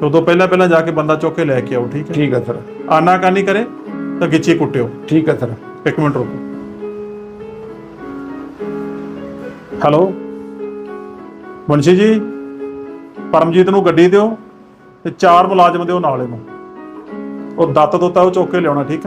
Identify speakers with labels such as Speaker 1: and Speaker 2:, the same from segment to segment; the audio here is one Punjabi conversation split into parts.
Speaker 1: तो तो पहला जाके बंदा चुक के लैके आओ। ठीक
Speaker 2: है सर।
Speaker 1: आनाकानी करे तो गिच्ची कुट्टियो।
Speaker 2: ठीक है सर।
Speaker 1: एक मिनट रुको। हेलो मुंशी जी, परमजीत नूं गड्डी दिओ ते 4 मुलाजम दिओ नाल इहनूं। ਉਹ ਦੱਤ ਦੁੱਤਾ ਉਹ ਚੁੱਕ ਕੇ ਲਿਆਉਣਾ। ਠੀਕ ਹੈ,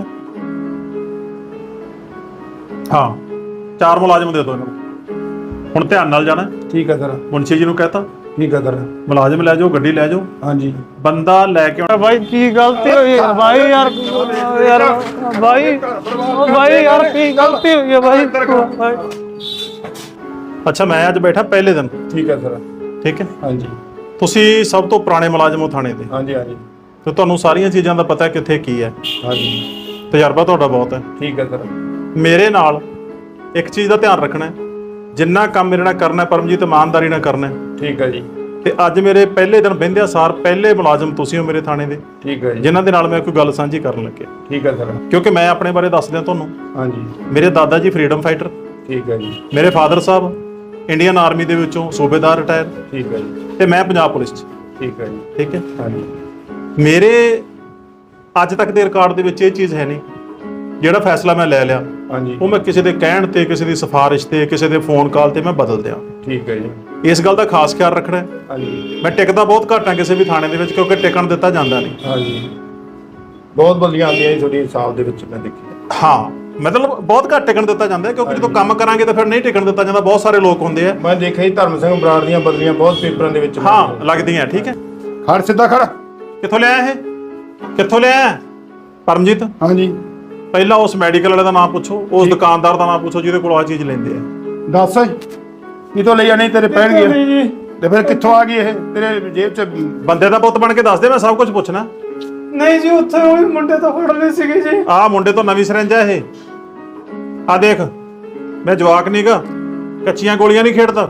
Speaker 1: ਹਾਂ 4 ਮੁਲਾਜ਼ਮ ਦੇ ਦਿਓ ਇਹਨਾਂ ਨੂੰ। ਹੁਣ ਧਿਆਨ ਨਾਲ ਜਾਣਾ।
Speaker 2: ਠੀਕ ਹੈ ਸਰ।
Speaker 1: ਮੁਨਸ਼ੀ ਜੀ ਨੂੰ ਕਹਤਾ।
Speaker 2: ਠੀਕ ਹੈ ਸਰ।
Speaker 1: ਮੁਲਾਜ਼ਮ ਲੈ ਜਾਓ, ਗੱਡੀ ਲੈ ਜਾਓ। ਹਾਂਜੀ, ਬੰਦਾ ਲੈ ਕੇ ਆਉਣਾ।
Speaker 3: भाई की गलती हुई है भाई यार भाई यार की गलती हुई है भाई।
Speaker 1: ਅੱਛਾ, ਮੈਂ ਅੱਜ ਬੈਠਾ ਪਹਿਲੇ ਦਿਨ।
Speaker 2: ਠੀਕ ਹੈ ਸਰ।
Speaker 1: ਠੀਕ ਹੈ,
Speaker 2: ਹਾਂਜੀ।
Speaker 1: ਤੁਸੀਂ ਸਭ ਤੋਂ ਪੁਰਾਣੇ ਮੁਲਾਜ਼ਮ ਹੋ ਥਾਣੇ ਦੇ।
Speaker 2: ਹਾਂਜੀ ਹਾਂਜੀ।
Speaker 1: ਤੇ ਤੁਹਾਨੂੰ ਸਾਰੀਆਂ ਚੀਜ਼ਾਂ ਦਾ ਪਤਾ ਕਿੱਥੇ ਕੀ ਹੈ।
Speaker 2: ਹਾਂਜੀ,
Speaker 1: ਤਜਰਬਾ ਤੁਹਾਡਾ ਬਹੁਤ ਹੈ।
Speaker 2: ਠੀਕ ਹੈ ਸਰ।
Speaker 1: ਮੇਰੇ ਨਾਲ ਇੱਕ ਚੀਜ਼ ਦਾ ਧਿਆਨ ਰੱਖਣਾ, ਜਿੰਨਾ ਕੰਮ ਮੇਰੇ ਨਾਲ ਕਰਨਾ ਪਰਮਜੀਤ ਇਮਾਨਦਾਰੀ ਨਾਲ ਕਰਨਾ।
Speaker 2: ਠੀਕ ਹੈ ਜੀ।
Speaker 1: ਤੇ ਅੱਜ ਮੇਰੇ ਪਹਿਲੇ ਦਿਨ ਬਹਿੰਦਿਆਂ ਸਾਰ ਪਹਿਲੇ ਮੁਲਾਜ਼ਮ ਤੁਸੀਂ ਹੋ ਮੇਰੇ ਥਾਣੇ ਦੇ।
Speaker 2: ਠੀਕ ਹੈ ਜੀ।
Speaker 1: ਜਿਨ੍ਹਾਂ ਦੇ ਨਾਲ ਮੈਂ ਕੋਈ ਗੱਲ ਸਾਂਝੀ ਕਰਨ ਲੱਗਿਆ।
Speaker 2: ਠੀਕ ਹੈ ਸਰ।
Speaker 1: ਕਿਉਂਕਿ ਮੈਂ ਆਪਣੇ ਬਾਰੇ ਦੱਸ ਦਿਆਂ ਤੁਹਾਨੂੰ।
Speaker 2: ਹਾਂਜੀ।
Speaker 1: ਮੇਰੇ ਦਾਦਾ ਜੀ ਫਰੀडम ਫਾਈਟਰ।
Speaker 2: ਠੀਕ ਹੈ ਜੀ।
Speaker 1: ਮੇਰੇ ਫਾਦਰ ਸਾਹਿਬ ਇੰਡੀਅਨ ਆਰਮੀ ਦੇ ਵਿੱਚੋਂ ਸੂਬੇਦਾਰ ਰਿਟਾਇਰ।
Speaker 2: ਠੀਕ ਹੈ ਜੀ।
Speaker 1: ਤੇ ਮੈਂ ਪੰਜਾਬ ਪੁਲਿਸ 'ਚ।
Speaker 2: ਠੀਕ ਹੈ ਜੀ।
Speaker 1: ਠੀਕ ਹੈ।
Speaker 2: ਹਾਂਜੀ।
Speaker 1: ਮੇਰੇ ਅੱਜ ਤੱਕ ਦੇ ਰਿਕਾਰਡ ਦੇ ਵਿੱਚ ਇਹ ਚੀਜ਼ ਹੈ ਨਹੀਂ, ਜਿਹੜਾ ਫੈਸਲਾ ਮੈਂ ਲੈ ਲਿਆ
Speaker 2: ਹਾਂਜੀ,
Speaker 1: ਉਹ ਮੈਂ ਕਿਸੇ ਦੇ ਕਹਿਣ ਤੇ, ਕਿਸੇ ਦੀ ਸਿਫਾਰਿਸ਼ ਤੇ, ਕਿਸੇ ਦੇ ਫੋਨ ਕਾਲ ਤੇ ਮੈਂ ਬਦਲ ਦਿਆਂ।
Speaker 2: ਠੀਕ ਹੈ ਜੀ।
Speaker 1: ਇਸ ਗੱਲ ਦਾ ਖਾਸ ਖਿਆਲ ਰੱਖਣਾ।
Speaker 2: ਹਾਂਜੀ।
Speaker 1: ਮੈਂ ਟਿਕਦਾ ਬਹੁਤ ਘੱਟ ਹਾਂ ਕਿਸੇ ਵੀ ਥਾਣੇ ਦੇ ਵਿੱਚ, ਕਿਉਂਕਿ ਟਿਕਣ ਦਿੱਤਾ ਜਾਂਦਾ ਨਹੀਂ।
Speaker 2: ਹਾਂਜੀ, ਬਹੁਤ ਬਲੀਆਂ ਆਉਂਦੀਆਂ ਜੀ ਤੁਹਾਡੀ ਹਿਸਾਬ ਦੇ ਵਿੱਚ ਮੈਂ ਦੇਖਿਆ।
Speaker 1: ਹਾਂ, ਮਤਲਬ ਬਹੁਤ ਘੱਟ ਟਿਕਣ ਦਿੱਤਾ ਜਾਂਦਾ, ਕਿਉਂਕਿ ਜਦੋਂ ਕੰਮ ਕਰਾਂਗੇ ਤਾਂ ਫਿਰ ਨਹੀਂ ਟਿਕਣ ਦਿੱਤਾ ਜਾਂਦਾ। ਬਹੁਤ ਸਾਰੇ ਲੋਕ ਹੁੰਦੇ ਆ।
Speaker 2: ਮੈਂ ਦੇਖਿਆ ਜੀ ਧਰਮ ਸਿੰਘ ਬਰਾੜ ਦੀਆਂ ਬਦਲੀਆਂ ਬਹੁਤ ਪੇਪਰਾਂ ਦੇ ਵਿੱਚ
Speaker 1: ਹਾਂ ਲੱਗਦੀਆਂ। ਠੀਕ ਹੈ,
Speaker 2: ਖੜ ਸਿੱਧਾ ਖੜ।
Speaker 1: ਕਿੱਥੋਂ ਲਿਆ ਇਹ? ਕਿੱਥੋਂ ਲਿਆ ਪਰਮਜੀਤ?
Speaker 2: ਹਾਂਜੀ।
Speaker 1: ਪਹਿਲਾਂ ਉਸ ਮੈਡੀਕਲ ਵਾਲੇ ਦਾ ਨਾਮ ਪੁੱਛੋ, ਉਸ ਦੁਕਾਨਦਾਰ ਦਾ ਨਾਮ ਪੁੱਛੋ ਜਿਹਦੇ ਕੋਲ ਆ ਚੀਜ਼ ਲੈਂਦੇ ਆ।
Speaker 2: ਦੱਸ ਕਿਤੋਂ ਲਈਆ? ਨਹੀਂ ਤੇਰੇ ਪੈਣਗੇ ਤੇ ਫਿਰ ਕਿੱਥੋਂ ਆ ਗਈ ਇਹ ਤੇਰੇ ਜੇਬ 'ਚ?
Speaker 1: ਬੰਦੇ ਦਾ ਪੁੱਤ ਬਣ ਕੇ ਦੱਸ ਦੇ, ਮੈਂ ਸਭ ਕੁਝ ਪੁੱਛਣਾ।
Speaker 3: नहीं जी उत्थे ओही मुंडे तो फड़ ले सीगे जी।
Speaker 1: ਆਹ ਮੁੰਡੇ ਤੋਂ ਨਵੀਂ ਸਿਰੰਜ ਆ ਇਹ। ਆ ਦੇਖ, ਮੈਂ ਜਵਾਕ ਨਹੀਂਗਾ, ਕੱਚੀਆਂ ਗੋਲੀਆਂ ਨਹੀਂ ਖੇਡਦਾ।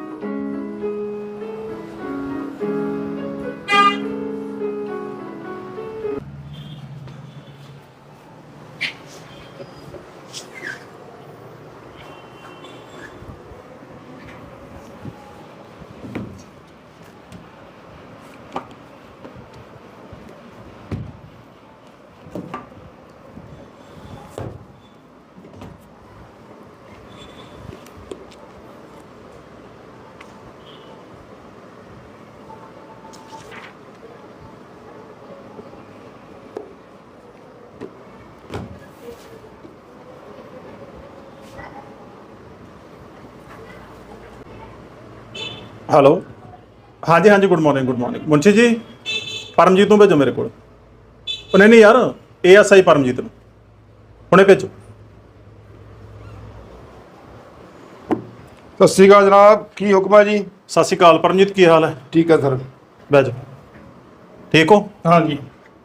Speaker 1: ਹੈਲੋ, ਹਾਂਜੀ ਹਾਂਜੀ, ਗੁੱਡ ਮਾਰਨਿੰਗ ਮੁੰਸ਼ੀ ਜੀ। ਪਰਮਜੀਤ ਨੂੰ ਭੇਜੋ ਮੇਰੇ ਕੋਲ। ਉਹ ਨਹੀਂ ਯਾਰ, ASI ਪਰਮਜੀਤ ਨੂੰ ਹੁਣੇ ਭੇਜੋ।
Speaker 2: ਸਤਿ ਸ਼੍ਰੀ ਅਕਾਲ ਜਨਾਬ, ਕੀ ਹੁਕਮ ਹੈ ਜੀ?
Speaker 1: ਸਤਿ ਸ਼੍ਰੀ ਅਕਾਲ ਪਰਮਜੀਤ, ਕੀ ਹਾਲ ਹੈ?
Speaker 2: ਠੀਕ ਹੈ ਸਰ।
Speaker 1: ਬਹਿ ਜਾਓ। ਠੀਕ ਹੋ?
Speaker 2: ਹਾਂਜੀ।